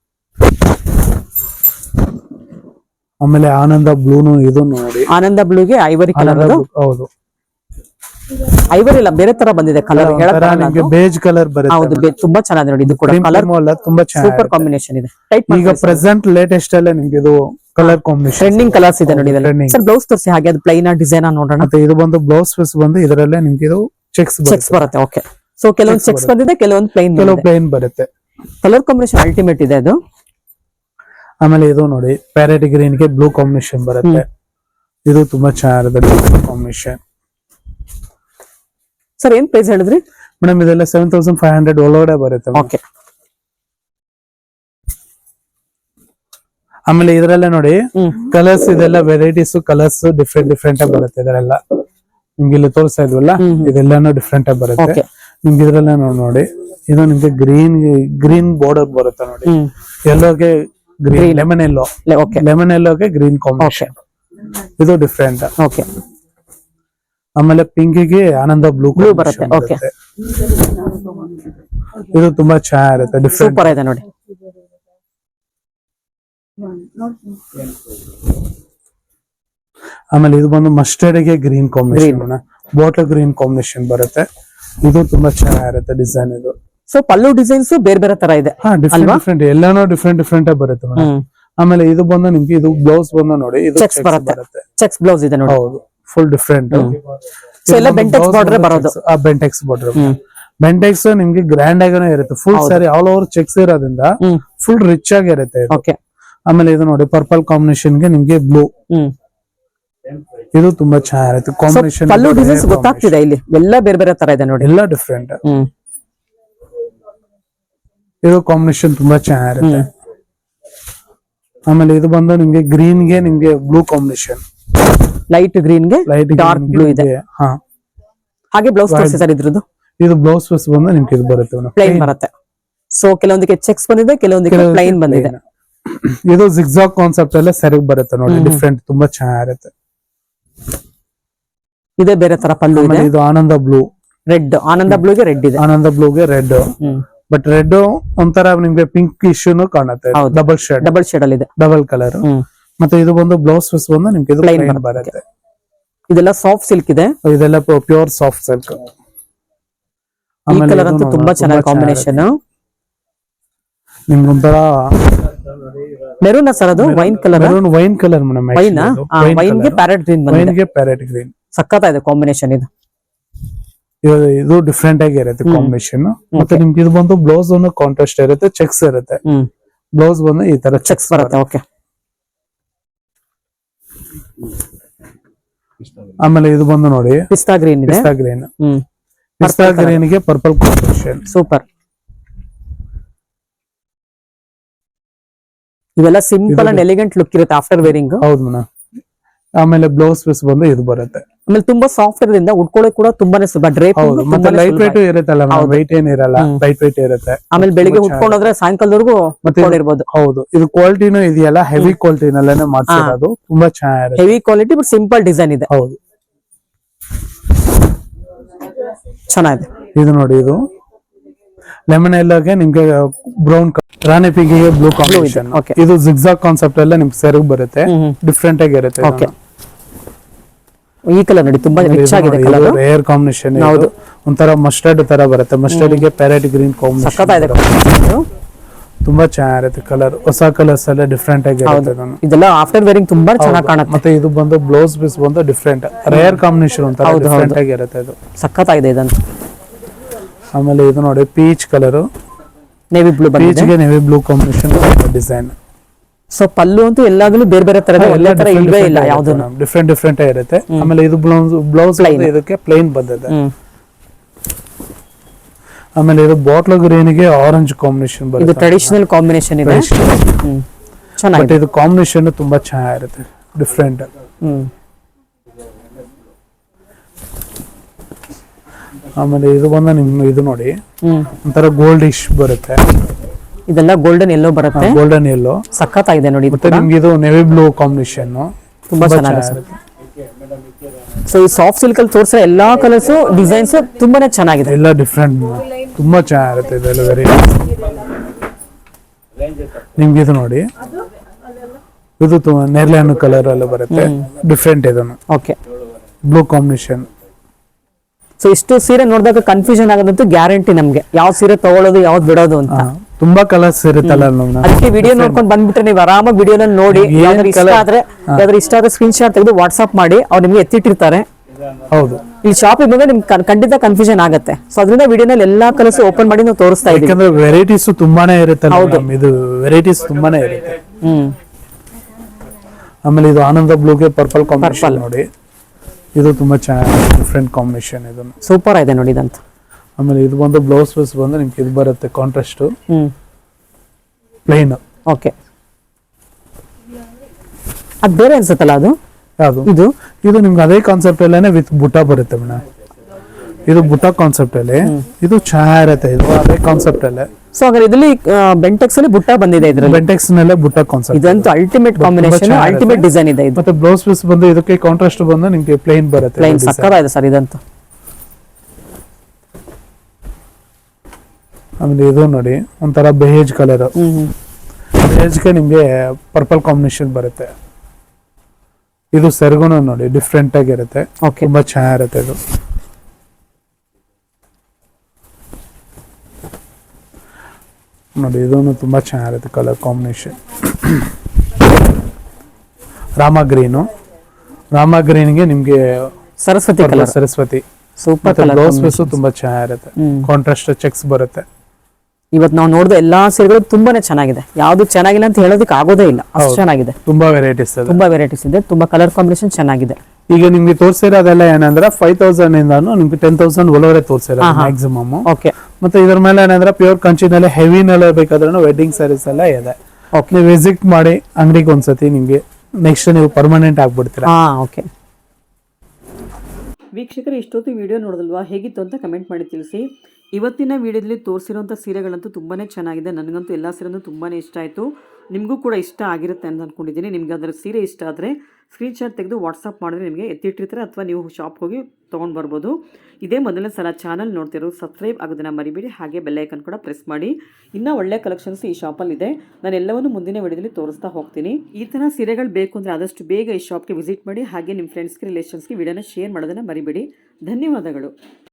Speaker 2: ಆಮೇಲೆ ಆನಂದ ಬ್ಲೂನು, ಇದು ನೋಡಿ
Speaker 3: ಆನಂದ ಬ್ಲೂಗೆ ಐವರಿ ಕಲರ್.
Speaker 2: ಹೌದು,
Speaker 3: ಐವರಿ ಇಲ್ಲ, ಬೇರೆ ತರ ಬಂದಿದೆ ಕಲರ್.
Speaker 2: ನಿಮ್ಗೆ ಬೇಜ್ ಕಲರ್ ಬರುತ್ತೆ.
Speaker 3: ಹೌದು, ತುಂಬಾ ಚೆನ್ನಾಗಿದೆ ನೋಡಿ. ಇದು ಕೂಡ ಕಲರ್
Speaker 2: ತುಂಬಾ
Speaker 3: ಸೂಪರ್ ಕಾಂಬಿನೇಷನ್ ಇದೆ.
Speaker 2: ಈಗ ಪ್ರೆಸೆಂಟ್ ಲೇಟೆಸ್ಟ್ ಅಲ್ಲೇ ನಿಮ್ಗೆ ಇದು ಕಲರ್ ಕಾಂಬಿನೇಷನ್,
Speaker 3: ಟ್ರೆಂಡಿಂಗ್ ಕಲರ್ಸ್ ಇದೆ ನೋಡಿ. ಸರ್ ಬ್ಲೌಸ್ ತೋರಿಸಿ ಹಾಗೆ, ಅದು ಪ್ಲೈನ್ ಡಿಸೈನ್ ನೋಡೋಣ.
Speaker 2: ಮತ್ತೆ ಇದು ಬಂದು ಬ್ಲೌಸ್ ಪೀಸ್ ಬಂದು ಇದರಲ್ಲೇ ನಿಮ್ಗೆ ಇದು ಚೆಕ್ಸ್
Speaker 3: ಚೆಕ್ಸ್ ಬರುತ್ತೆ. ಓಕೆ. ಸೊ ಕೆಲವೊಂದು ಚೆಕ್ಸ್ ಬಂದಿದೆ, ಕೆಲವೊಂದು ಪ್ಲೈನ್,
Speaker 2: ಕೆಲವು ಪ್ಲೈನ್ ಬರುತ್ತೆ.
Speaker 3: ಕಲರ್ ಕಾಂಬಿನೇಷನ್ ಅಲ್ಟಿಮೇಟ್ ಇದೆ ಅದು.
Speaker 2: ಆಮೇಲೆ ಇದು ನೋಡಿ, ಪ್ಯಾರೆಟ್ ಗ್ರೀನ್ ಗೆ ಬ್ಲೂ ಕಾಂಬಿನೇಷನ್ ಬರುತ್ತೆ. ಇದು ತುಂಬಾ ಚೆನ್ನಾಗಿರುತ್ತೆ ಕಾಂಬಿನೇಷನ್.
Speaker 3: ಸರ್ ಏನ್ ಪ್ರೈಸ್ ಹೇಳಿದ್ರಿ
Speaker 2: ಮೇಡಮ್? ಇದೆಲ್ಲ ಸೆವೆನ್ ತೌಸಂಡ್ ಫೈವ್ ಹಂಡ್ರೆಡ್ ಒಳಗಡೆ ಬರುತ್ತೆ.
Speaker 3: ಓಕೆ.
Speaker 2: ಆಮೇಲೆ ಇದರಲ್ಲೇ ನೋಡಿ ಕಲರ್ಸ್, ಇದೆಲ್ಲ ವೆರೈಟೀಸ್ ಕಲರ್ಸ್ ಡಿಫ್ರೆಂಟ್ ಡಿಫ್ರೆಂಟ್ ಆಗಿ ಬರುತ್ತೆ. ಇದರೆಲ್ಲ ನಿಮ್ಗೆ ಇಲ್ಲಿ ತೋರಿಸ್ತಾ ಇದ್ವಲ್ಲ, ಇದೆಲ್ಲಾನು ಡಿಫ್ರೆಂಟ್ ಆಗಿ ಬರುತ್ತೆ ನಿಮ್ಗೆ. ಇದ್ರಲ್ಲ ನೋಡಿ, ಇದು ನಿಮ್ಗೆ ಗ್ರೀನ್ ಗ್ರೀನ್ ಬಾರ್ಡರ್ ಬರುತ್ತೆ ನೋಡಿ, ಯೆಲ್ಲೋಗೆ ಗ್ರೀನ್, ಲೆಮನ್ ಎಲ್ಲೋ, ಲೆಮನ್ ಎಲ್ಲೋಗೆ ಗ್ರೀನ್ ಕಾಂಬಿನೇಷನ್, ಇದು ಡಿಫ್ರೆಂಟ್.
Speaker 3: ಓಕೆ.
Speaker 2: ಆಮೇಲೆ ಪಿಂಕಿಗೆ ಆನಂದ ಬ್ಲೂ
Speaker 3: ಬ್ಲೂ ಬರುತ್ತೆ. ಓಕೆ.
Speaker 2: ಇದು ತುಂಬಾ ಚೆನ್ನಾಗಿರುತ್ತೆ, ಡಿಫ್ರೆಂಟ್
Speaker 3: ಸೂಪರ್ ಇದೆ ನೋಡಿ.
Speaker 2: ಆಮೇಲೆ ಇದು ಬಂದು ಮಸ್ಟರ್ಡ್ ಗೆ green combination, bottle green combination ಬರುತ್ತೆ. ಇದು ತುಂಬಾ ಚೆನ್ನಾಗಿರುತ್ತೆ ಡಿಸೈನ್ ಇದು.
Speaker 3: ಸೊ ಪಲ್ಲು ಡಿಸೈನ್ಸ್ ಬೇರೆ ಬೇರೆ ತರ ಇದೆ.
Speaker 2: ಹಾ, ಡಿಫ್ರೆಂಟ್ ಡಿಫ್ರೆಂಟ್, ಎಲ್ಲಾನು ಡಿಫ್ರೆಂಟ್ ಡಿಫ್ರೆಂಟ್ ಆಗಿ ಬರುತ್ತೆ ಮೇಡಮ್. ಆಮೇಲೆ ಇದು ಬಂದು ನಿಮ್ಗೆ ಇದು ಬ್ಲೌಸ್ ಬಂದು ನೋಡಿ, ಇದು
Speaker 3: ಚೆಕ್ಸ್ ಬರುತ್ತೆ. ಚೆಕ್ಸ್ ಬ್ಲೌಸ್ ಇದೆ ನೋಡಿ.
Speaker 2: ಹೌದು, ಫುಲ್ ಡಿಫ್ರೆಂಟ್.
Speaker 3: ಸೊ ಎಲ್ಲ ಬೆಂಟೆಕ್ಸ್ ಬಾರ್ಡರ್ ಬರೋದು.
Speaker 2: ಆ ಬೆಂಟೆಕ್ಸ್ ಬಾರ್ಡರ್, ಬೆಂಟೆಕ್ಸ್ ನಿಮ್ಗೆ ಗ್ರ್ಯಾಂಡ್ ಆಗಿನೇ ಇರುತ್ತೆ. Full sari all over checks ಇರೋದ್ರಿಂದ ಫುಲ್ ರಿಚ್ ಆಗಿರುತ್ತೆ.
Speaker 3: ಓಕೆ.
Speaker 2: ಆಮೇಲೆ ಇದು ನೋಡಿ, ಪರ್ಪಲ್ ಕಾಂಬಿನೇಷನ್ ಗೆ ನಿಮ್ಗೆ ಬ್ಲೂ, ಇದು ತುಂಬಾ ಚೆನ್ನಾಗಿರುತ್ತೆ ಕಾಂಬಿನೇಷನ್.
Speaker 3: ಪಲ್ಲು ಡಿಸೈನ್ಸ್ ಗೊತ್ತಾಗ್ತಿದೆ ಇಲ್ಲಿ, ಎಲ್ಲ ಬೇರೆ ಬೇರೆ ತರ ಇದೆ ನೋಡಿ,
Speaker 2: ಎಲ್ಲ ಡಿಫ್ರೆಂಟ್. ಇದು ಕಾಂಬಿನೇಷನ್ ತುಂಬಾ ಚೆನ್ನಾಗಿರುತ್ತೆ. ಆಮೇಲೆ ಇದು ಬಂದು ನಿಮ್ಗೆ ಗ್ರೀನ್ ಗೆ ನಿಮ್ಗೆ ಬ್ಲೂ ಕಾಂಬಿನೇಷನ್,
Speaker 3: ಲೈಟ್ ಗ್ರೀನ್ ಗೆ ಡಾರ್ಕ್ ಬ್ಲೂ ಇದೆ.
Speaker 2: ಹಾ,
Speaker 3: ಹಾಗೆ ಬ್ಲೌಸ್ ತೋರಿಸಿ ಸರ್ ಇದ್ರದ್ದು.
Speaker 2: ಇದು ಬ್ಲೌಸ್ ಪೀಸ್ ಬಂದು ನಿಮ್ಗೆ ಇದು ಬರುತ್ತೆ,
Speaker 3: ಪ್ಲೈನ್ ಬರುತ್ತೆ. ಸೊ ಕೆಲವೊಂದಕ್ಕೆ ಚೆಕ್ಸ್ ಬಂದಿದೆ, ಕೆಲವೊಂದಕ್ಕೆ ಪ್ಲೈನ್ ಬಂದಿದೆ.
Speaker 2: ಇದು ಜಿಗ್ಜಾಗ್ ಕಾನ್ಸೆಪ್ಟ್ ಎಲ್ಲ ಸರಿಗ್ ಬರುತ್ತೆ ನೋಡಿ, ಡಿಫ್ರೆಂಟ್, ತುಂಬಾ ಚೆನ್ನಾಗಿರುತ್ತೆ.
Speaker 3: ಇದೇ ಬೇರೆ ತರ ಪಲ್ಲು ಇದೆ.
Speaker 2: ಇದು ಆನಂದ ಬ್ಲೂ,
Speaker 3: ರೆಡ್, ಆನಂದ ಬ್ಲೂಗೆ ರೆಡ್ ಇದೆ.
Speaker 2: ಆನಂದ ಬ್ಲೂಗೆ ರೆಡ್, ಬಟ್ ರೆಡ್ ಒಂಥರ ನಿಮ್ಗೆ ಪಿಂಕ್ ಇಶ್ಯೂನು ಕಾಣುತ್ತೆ, ಡಬಲ್ ಶೇಡ್,
Speaker 3: ಡಬಲ್ ಶೇಡ್ ಅಲ್ಲಿ ಇದೆ,
Speaker 2: ಡಬಲ್ ಕಲರ್. ಮತ್ತೆ ಇದು ಬಂದು ಬ್ಲೌಸ್ ಪೀಸ್ ಬಂದು ನಿಮ್ಗೆ ಇದು ಪ್ಲೈನ್ ಬರುತ್ತೆ.
Speaker 3: ಇದೆಲ್ಲ ಸಾಫ್ಟ್ ಸಿಲ್ಕ್ ಇದೆ,
Speaker 2: ಇದೆಲ್ಲ ಪ್ಯೂರ್ ಸಾಫ್ಟ್ ಸಿಲ್ಕ್.
Speaker 3: ಈ ಕಲರ್ ಅಂತೂ ತುಂಬಾ ಚೆನ್ನಾಗಿ ಕಾಂಬಿನೇಷನ್.
Speaker 2: ನಿಮ್ಗೆ ಒಂಥರ
Speaker 3: ಮೆರೂನ್ ಸರ್, ಅದು wine colour,
Speaker 2: maroon wine colour madam.
Speaker 3: Wine wine ಗೆ ಪ್ಯಾರೆಟ್ ಗ್ರೀನ್ ಬಂದಿದೆ.
Speaker 2: ವೈನ್ ಗೆ ಪ್ಯಾರೆಟ್ ಗ್ರೀನ್,
Speaker 3: ಸಖತ್ತಾಗಿದೆ ಕಾಂಬಿನೇಷನ್ ಇದು.
Speaker 2: ಇದು ಇದು ಡಿಫ್ರೆಂಟ್ ಆಗಿ ಇರುತ್ತೆ ಕಾಂಬಿನೇಷನ್. ಮತ್ತೆ ನಿಮ್ಗೆ ಇದು ಬಂದು ಬ್ಲೌಸ್ ಒಂದು ಕಾಂಟ್ರಾಸ್ಟ್ ಇರುತ್ತೆ, ಚೆಕ್ಸ್ ಇರುತ್ತೆ.
Speaker 3: ಹ್ಮ್
Speaker 2: ಬ್ಲೌಸ್ ಬಂದು ಈ ತರ
Speaker 3: ಚೆಕ್ಸ್ ಬರುತ್ತೆ. ಓಕೆ.
Speaker 2: ಆಮೇಲೆ ಇದು ಬಂದು ನೋಡಿ
Speaker 3: ಪಿಸ್ತಾ ಗ್ರೀನ್ ಇದೆ.
Speaker 2: ಪಿಸ್ತಾ ಗ್ರೀನ್.
Speaker 3: ಹ್ಮ್
Speaker 2: ಪಿಸ್ತಾ ಗ್ರೀನ್ ಗೆ ಪರ್ಪಲ್ ಕಾಂಬಿನೇಷನ್.
Speaker 3: ಸೂಪರ್. ಇವೆಲ್ಲ ಸಿಂಪಲ್ ಅಂಡ್ ಎಲಿಗೆಂಟ್ ಲುಕ್ ಇರುತ್ತೆ ಆಫ್ಟರ್ ವೇರಿಂಗ್.
Speaker 2: ಹೌದು ಮೇಡಮ್. ಆಮೇಲೆ ಬ್ಲೌಸ್ ಪೀಸ್ ಬಂದು ಇದು ಬರುತ್ತೆ.
Speaker 3: ಆಮೇಲೆ ತುಂಬಾ ಸಾಫ್ಟ್ ಇರೋದ್ರಿಂದ ಉಟ್ಕೊಳ್ಳೋಕೆ ಕೂಡ ತುಂಬಾನೇ ಸುಲಭ. ಡ್ರೇಪ್
Speaker 2: ಮತ್ತೆ ಲೈಟ್ ವೇಟ್ ಇರುತ್ತಲ್ಲ, ವೈಟ್ ಏನ್ ಇರಲ್ಲ, ಲೈಟ್ ವೇಟ್ ಇರುತ್ತೆ.
Speaker 3: ಆಮೇಲೆ ಬೆಳಿಗ್ಗೆ ಉಟ್ಕೊಂಡ್ರೆ ಸಾಯಂಕಾಲದವರೆಗೂ ಉಟ್ಕೊಂಡಿರ್ಬೋದು.
Speaker 2: ಹೌದು, ಇದು ಕ್ವಾಲಿಟಿನೂ ಇದೆಯಲ್ಲ, ಹೆವಿ ಕ್ವಾಲಿಟಿನಲ್ಲೇನೆ ಮಾಡ್ಸಿರೋದು, ತುಂಬಾ ಚೆನ್ನಾಗಿರುತ್ತೆ.
Speaker 3: Heavy quality but simple design ಇದೆ.
Speaker 2: ಹೌದು,
Speaker 3: ಚೆನ್ನಾಗಿದೆ.
Speaker 2: ಇದು ನೋಡಿ, ಇದು ಲೆಮನ್ ಎಲ್ಲೋಗೆ ನಿಮ್ಗೆ ಬ್ರೌನ್, ರಾಣಿ ಪಿಂಕ್ ಗೆ ಬ್ಲೂ ಕಾಂಬಿನೇಷನ್. ಇದು ಜಿಗ್ಜಾಗ್ ಕಾನ್ಸೆಪ್ಟ್ ಎಲ್ಲ ನಿಮ್ಗೆ ಸೆರಗ್ ಬರುತ್ತೆ, ಡಿಫ್ರೆಂಟ್ ಆಗಿ ಇರುತ್ತೆ.
Speaker 3: ಓಕೆ, ಈ ಕಲರ್ ನೋಡಿ ತುಂಬಾ ರಿಚ್ ಆಗಿದೆ ಕಲರ್.
Speaker 2: Rare combination. ಹೌದು, ಒಂಥರ ಮಸ್ಟರ್ಡ್ ತರ ಬರುತ್ತೆ. ಮಸ್ಟರ್ಡ್ ಗೆ ಪ್ಯಾರೆಟ್ ಗ್ರೀನ್ ಕಾಂಬಿನೇಷನ್.
Speaker 3: ಸಖತ್ತಾಗಿದೆ,
Speaker 2: ತುಂಬಾ ಚೆನ್ನಾಗಿರುತ್ತೆ ಕಲರ್. ಹೊಸ ಕಲರ್ಸ್ ಎಲ್ಲ ಡಿಫ್ರೆಂಟ್ ಆಗಿ ಇರುತ್ತೆ.
Speaker 3: ಇದೆಲ್ಲ ಆಫ್ಟರ್ ವೇರಿಂಗ್ ತುಂಬಾ ಚೆನ್ನಾಗಿ ಕಾಣುತ್ತೆ.
Speaker 2: ಮತ್ತೆ ಇದು ಬಂದು ಬ್ಲೌಸ್ ಪೀಸ್ ಬಂದು ಡಿಫ್ರೆಂಟ್, ರೇರ್ ಕಾಂಬಿನೇಷನ್ ಒಂಥರ ಡಿಫ್ರೆಂಟ್ ಆಗಿ ಇರುತ್ತೆ. ಇದು
Speaker 3: ಸಖತ್ತಾಗಿದೆ ಇದಂತ.
Speaker 2: ಆಮೇಲೆ ಇದು ನೋಡಿ ಪೀಚ್ ಕಲರ್,
Speaker 3: ನೇವಿ ಬ್ಲೂ ಬಂದಿದೆ.
Speaker 2: ಪೀಚ್ ಗೆ navy blue combination design.
Speaker 3: So ಪಲ್ಲು ಅಂತೂ ಎಲ್ಲಾದ್ರೂ ಬೇರೆ ಬೇರೆ ತರ, ಎಲ್ಲ ತರ ಇಲ್ವೇ ಇಲ್ಲ, ಯಾವ್ದು
Speaker 2: ಡಿಫ್ರೆಂಟ್ ಡಿಫ್ರೆಂಟ್ ಇರುತ್ತೆ. ಆಮೇಲೆ ಇದು ಬ್ಲೌಸ್ ಬ್ಲೌಸ್ ಇದಕ್ಕೆ ಪ್ಲೇನ್ ಬಂದಿದೆ. ಆಮೇಲೆ ಇದು ಬಾಟ್ಲ್ ಗ್ರೀನ್ ಗೆ ಆರೆಂಜ್ ಕಾಂಬಿನೇಷನ್ ಬರುತ್ತೆ.
Speaker 3: ಇದು ಟ್ರೆಡಿಷನಲ್ ಕಾಂಬಿನೇಷನ್ ಇದೆ. ಚೆನ್ನಾಗಿದೆ.
Speaker 2: ಇದು ಕಾಂಬಿನೇಷನ್ ತುಂಬಾ ಚೆನ್ನಾಗಿರುತ್ತೆ, ಡಿಫ್ರೆಂಟ್.
Speaker 3: ಹ್ಮ್
Speaker 2: ಆಮೇಲೆ ಇದು ಬಂದ ನಿಮ್ಗೆ ಇದು ನೋಡಿ ಒಂಥರ ಗೋಲ್ಡಿಶ್ ಬರುತ್ತೆ.
Speaker 3: ಇದೆಲ್ಲ ಗೋಲ್ಡನ್ ಎಲ್ಲೋ ಬರುತ್ತೆ.
Speaker 2: ಗೋಲ್ಡನ್ ಎಲ್ಲೋ
Speaker 3: ಸಖತ್ತಾಗಿದೆ ನೋಡಿ.
Speaker 2: ಮತ್ತೆ ನಿಮ್ಗೆ ಇದು ನೇವಿ ಬ್ಲೂ ಕಾಂಬಿನೇಷನ್
Speaker 3: ತುಂಬಾ ಚೆನ್ನಾಗಿದೆ. ಸೊ ಈ ಸಾಫ್ಟ್ ಸಿಲ್ಕ್ ಅಲ್ಲಿ ತೋರಿಸಿರೋ ಎಲ್ಲಾ ಕಲರ್ಸ್ ಡಿಸೈನ್ಸ್ ತುಂಬಾನೇ ಚೆನ್ನಾಗಿದೆ.
Speaker 2: ಎಲ್ಲ ಡಿಫ್ರೆಂಟ್, ತುಂಬಾ ಚೆನ್ನಾಗಿರುತ್ತೆ. ಇದೆಲ್ಲ ವೆರಿ ನಿಮ್ಗೆ ಇದು ನೋಡಿ, ಇದು ನೇರಳೆ ಹಣ್ಣು ಕಲರ್ ಎಲ್ಲ ಬರುತ್ತೆ, ಡಿಫ್ರೆಂಟ್. ಇದನ್ನು
Speaker 3: ಓಕೆ, ಬ್ಲೂ
Speaker 2: ಕಾಂಬಿನೇಷನ್.
Speaker 3: ಸೊ ಇಷ್ಟು ಸೀರೆ ನೋಡಿದಾಗ ಕನ್ಫ್ಯೂಷನ್ ಆಗೋದಂತೂ ಗ್ಯಾರಂಟಿ ನಮ್ಗೆ, ಯಾವ ಸೀರೆ ತಗೊಳ್ಳೋದು ಯಾವ್ದು ಬಿಡೋದು ಅಂತ.
Speaker 2: ತುಂಬಾ ಕಲರ್ಸ್ ಇರುತ್ತಲ್ಲ,
Speaker 3: ಅದಕ್ಕೆ ವಿಡಿಯೋ ನೋಡ್ಕೊಂಡು ಬಂದ್ಬಿಟ್ರೆ ನೀವು ಆರಾಮಾಗಿ ವಿಡಿಯೋನಲ್ಲಿ ನೋಡಿ ಯಾವ್ದಾದ್ರು ಇಷ್ಟ ಆದ್ರೆ ಯಾವ್ದಾದ್ರು ಇಷ್ಟ ಆದ್ರೆ ಸ್ಕ್ರೀನ್ ಶಾಟ್ ತೆಗೆದು ವಾಟ್ಸ್ಆಪ್ ಮಾಡಿ ಅವ್ರು ನಿಮ್ಗೆ ಎತ್ತಿಟ್ಟಿರ್ತಾರೆ.
Speaker 2: ಹೌದು,
Speaker 3: ಇಲ್ಲಿ ಶಾಪಿಗೆ ಬಂದ್ರೆ ನಿಮ್ಗೆ ಖಂಡಿತ ಕನ್ಫ್ಯೂಷನ್ ಆಗುತ್ತೆ. ಸೊ ಅದರಿಂದ ವಿಡಿಯೋನಲ್ಲಿ ಎಲ್ಲಾ ಕಲರ್ಸ್ ಓಪನ್ ಮಾಡಿ ನಾವು ತೋರಿಸ್ತಾ ಇದ್ದೀವಿ.
Speaker 2: ಯಾಕಂದ್ರೆ ವೆರೈಟೀಸ್ ತುಂಬಾನೇ ಇರುತ್ತೆ. ಇದು ವೆರೈಟೀಸ್ ತುಂಬಾನೇ ಇರುತ್ತೆ.
Speaker 3: ಹ್ಮ್
Speaker 2: ಆಮೇಲೆ ಇದು ಆನಂದ ಬ್ಲೂಗೆ ಪರ್ಪಲ್ ಕಾಂಬಿನೇಷನ್ ನೋಡಿ, ಇದು ತುಂಬಾ ಚೆನ್ನಾಗಿದೆ, ಡಿಫ್ರೆಂಟ್ ಕಾಂಬಿನೇಷನ್. ಇದನ್ನು
Speaker 3: ಸೂಪರ್ ಆಗಿದೆ ನೋಡಿ ಇದಂತ.
Speaker 2: ಆಮೇಲೆ ಇದು ಬಂದು ಬ್ಲೌಸ್ ಪೀಸ್ ಬಂದು ನಿಮ್ಗೆ ಇದು ಬರುತ್ತೆ ಕಾಂಟ್ರಾಸ್ಟ್,
Speaker 3: ಹ್ಮ್
Speaker 2: ಪ್ಲೇನ್.
Speaker 3: ಓಕೆ, ಅದು ಬೇರೆ ಅನ್ಸುತ್ತಲ್ಲ ಅದು.
Speaker 2: ಯಾವುದು
Speaker 3: ಇದು?
Speaker 2: ಇದು ನಿಮ್ಗೆ ಅದೇ ಕಾನ್ಸೆಪ್ಟ್ ಅಲ್ಲೇನೆ ವಿತ್ ಬುಟ್ಟ ಬರುತ್ತೆ ಮೇಡಮ್. ಇದು ಬುಟ್ಟ ಕಾನ್ಸೆಪ್ಟ್ ಅಲ್ಲಿ, ಇದು ಚೆನ್ನಾಗಿರುತ್ತೆ. ಇದು ಅದೇ ಕಾನ್ಸೆಪ್ಟ್ ಅಲ್ಲೇ.
Speaker 3: ಸೊ ಹಾಗಾದ್ರೆ ಇದರಲ್ಲಿ ಬೆಂಟೆಕ್ಸ್ ಅಲ್ಲಿ ಬುಟ್ಟ ಬಂದಿದೆ. ಇದ್ರಲ್ಲಿ
Speaker 2: ಬೆಂಟೆಕ್ಸ್ ನಲ್ಲೇ ಬುಟ್ಟ ಕಾನ್ಸೆಪ್ಟ್.
Speaker 3: ಇದಂತೂ ಅಲ್ಟಿಮೇಟ್ ಕಾಂಬಿನೇಷನ್, ಅಲ್ಟಿಮೇಟ್ ಡಿಸೈನ್ ಇದೆ ಇದು.
Speaker 2: ಮತ್ತೆ ಬ್ಲೌಸ್ ಪೀಸ್ ಬಂದು ಇದಕ್ಕೆ ಕಾಂಟ್ರಾಸ್ಟ್ ಬಂದು ನಿಮ್ಗೆ ಪ್ಲೇನ್ ಬರುತ್ತೆ.
Speaker 3: ಪ್ಲೇನ್ ಸಕ್ಕತ್ತಾಗಿದೆ ಸರ್ ಇದಂತೂ.
Speaker 2: ಆಮೇಲೆ ಇದು ನೋಡಿ ಒಂಥರ ಬೆಹೇಜ್ ಕಲರ್, ಬೆಹೇಜ್ಗೆ ನಿಮ್ಗೆ ಪರ್ಪಲ್ ಕಾಂಬಿನೇಷನ್ ಬರುತ್ತೆ. ಇದು ಸೆರಗುನು ನೋಡಿ ಡಿಫ್ರೆಂಟ್ ಆಗಿರುತ್ತೆ, ತುಂಬಾ ಚೆನ್ನಾಗಿರುತ್ತೆ. ಇದು ನೋಡಿ, ಇದನ್ನು ತುಂಬಾ ಚೆನ್ನಾಗಿರುತ್ತೆ colour combination. Rama green, Rama ಗ್ರೀನ್ಗೆ ನಿಮ್ಗೆ
Speaker 3: Saraswati colour,
Speaker 2: Saraswati
Speaker 3: super colour.
Speaker 2: Blouse piece ತುಂಬಾ ಚೆನ್ನಾಗಿರುತ್ತೆ, ಕಾಂಟ್ರಾಸ್ಟ್ ಚೆಕ್ಸ್ ಬರುತ್ತೆ.
Speaker 3: ಇವತ್ತು ನಾವು ನೋಡಿದ ಎಲ್ಲಾ ಸೀರೆಗಳು ತುಂಬಾನೇ ಚೆನ್ನಾಗಿದೆ. ಯಾವ್ದು ಚೆನ್ನಾಗಿಲ್ಲ ಅಂತ ಹೇಳೋದಕ್ಕೆ ಆಗೋದೇ ಇಲ್ಲ, ಅಷ್ಟು ಚೆನ್ನಾಗಿದೆ.
Speaker 2: ತುಂಬಾ ವೆರೈಟೀಸ್ ಇದೆ,
Speaker 3: ತುಂಬಾ ವೆರೈಟೀಸ್ ಇದೆ, ತುಂಬಾ ಕಲರ್ ಕಾಂಬಿನೇಷನ್ ಚೆನ್ನಾಗಿದೆ.
Speaker 2: ಈಗ ನಿಮ್ಗೆ ತೋರಿಸಿರೋದೆಲ್ಲ ಏನಂದ್ರೆ ಫೈವ್ ತೌಸಂಡ್ ಇಂದಾನು ನಿಮ್ಗೆ ಟೆನ್ ತೌಸಂಡ್ ಒಳಗಡೆ ತೋರಿಸಿರೋದು ಮ್ಯಾಕ್ಸಿಮಮ್.
Speaker 3: ಓಕೆ,
Speaker 2: ಮತ್ತೆ ಇದ್ರ ಮೇಲೆ ಏನಂದ್ರೆ ಪ್ಯೂರ್ ಕಂಚಿನಲ್ಲಿ ಹೆವಿನಲ್ಲಿ ಬೇಕಾದ್ರೂ ವೆಡ್ಡಿಂಗ್ ಸ್ಯಾರೀಸ್ ಎಲ್ಲ ಇದೆ. ನೀವು ವಿಸಿಟ್ ಮಾಡಿ ಅಂಗಡಿಗೆ ಒಂದ್ಸತಿ, ನಿಮ್ಗೆ ನೆಕ್ಸ್ಟ್ ನೀವು ಪರ್ಮನೆಂಟ್ ಆಗ್ಬಿಡ್ತೀರಾ.
Speaker 3: ಹಾ, ಓಕೆ.
Speaker 1: ವೀಕ್ಷಕರು, ಇಷ್ಟೊತ್ತು ವಿಡಿಯೋ ನೋಡಿದಲ್ವಾ, ಹೇಗಿತ್ತು ಅಂತ ಕಮೆಂಟ್ ಮಾಡಿ ತಿಳಿಸಿ. ಇವತ್ತಿನ ವಿಡಿಯೋದಲ್ಲಿ ತೋರಿಸಿರೋಂಥ ಸೀರೆಗಳಂತೂ ತುಂಬಾ ಚೆನ್ನಾಗಿದೆ. ನನಗಂತೂ ಎಲ್ಲ ಸೀರೆನೂ ತುಂಬಾ ಇಷ್ಟ ಆಯಿತು. ನಿಮಗೂ ಕೂಡ ಇಷ್ಟ ಆಗಿರುತ್ತೆ ಅಂತ ಅಂದ್ಕೊಂಡಿದ್ದೀನಿ. ನಿಮ್ಗೆ ಅದರ ಸೀರೆ ಇಷ್ಟ ಆದರೆ ಸ್ಕ್ರೀನ್ಶಾಟ್ ತೆಗೆದು ವಾಟ್ಸಪ್ ಮಾಡಿದ್ರೆ ನಿಮಗೆ ಎತ್ತಿಟ್ಟಿರ್ತಾರೆ, ಅಥವಾ ನೀವು ಶಾಪ್ಗೆ ಹೋಗಿ ತೊಗೊಂಡು ಬರ್ಬೋದು. ಇದೇ ಮೊದಲನೇ ಸಲ ಚಾನಲ್ ನೋಡ್ತಿರೋ ಸಬ್ಸ್ಕ್ರೈಬ್ ಆಗೋದನ್ನು ಮರಿಬೇಡಿ, ಹಾಗೆ ಬೆಲ್ಲೈಕನ್ ಕೂಡ ಪ್ರೆಸ್ ಮಾಡಿ. ಇನ್ನೂ ಒಳ್ಳೆ ಕಲೆಕ್ಷನ್ಸ್ ಈ ಶಾಪಲ್ಲಿದೆ. ನಾನು ಎಲ್ಲವನ್ನು ಮುಂದಿನ ವಿಡಿಯೋದಲ್ಲಿ ತೋರಿಸ್ತಾ ಹೋಗ್ತೀನಿ. ಈ ಥರ ಸೀರೆಗಳು ಬೇಕು ಅಂದರೆ ಆದಷ್ಟು ಬೇಗ ಈ ಶಾಪ್ಗೆ ವಿಸಿಟ್ ಮಾಡಿ, ಹಾಗೆ ನಿಮ್ಮ ಫ್ರೆಂಡ್ಸ್ಗೆ ರಿಲೇಷನ್ಸ್ಗೆ ವಿಡಿಯೋನ ಶೇರ್ ಮಾಡೋದನ್ನು ಮರಿಬೇಡಿ. ಧನ್ಯವಾದಗಳು.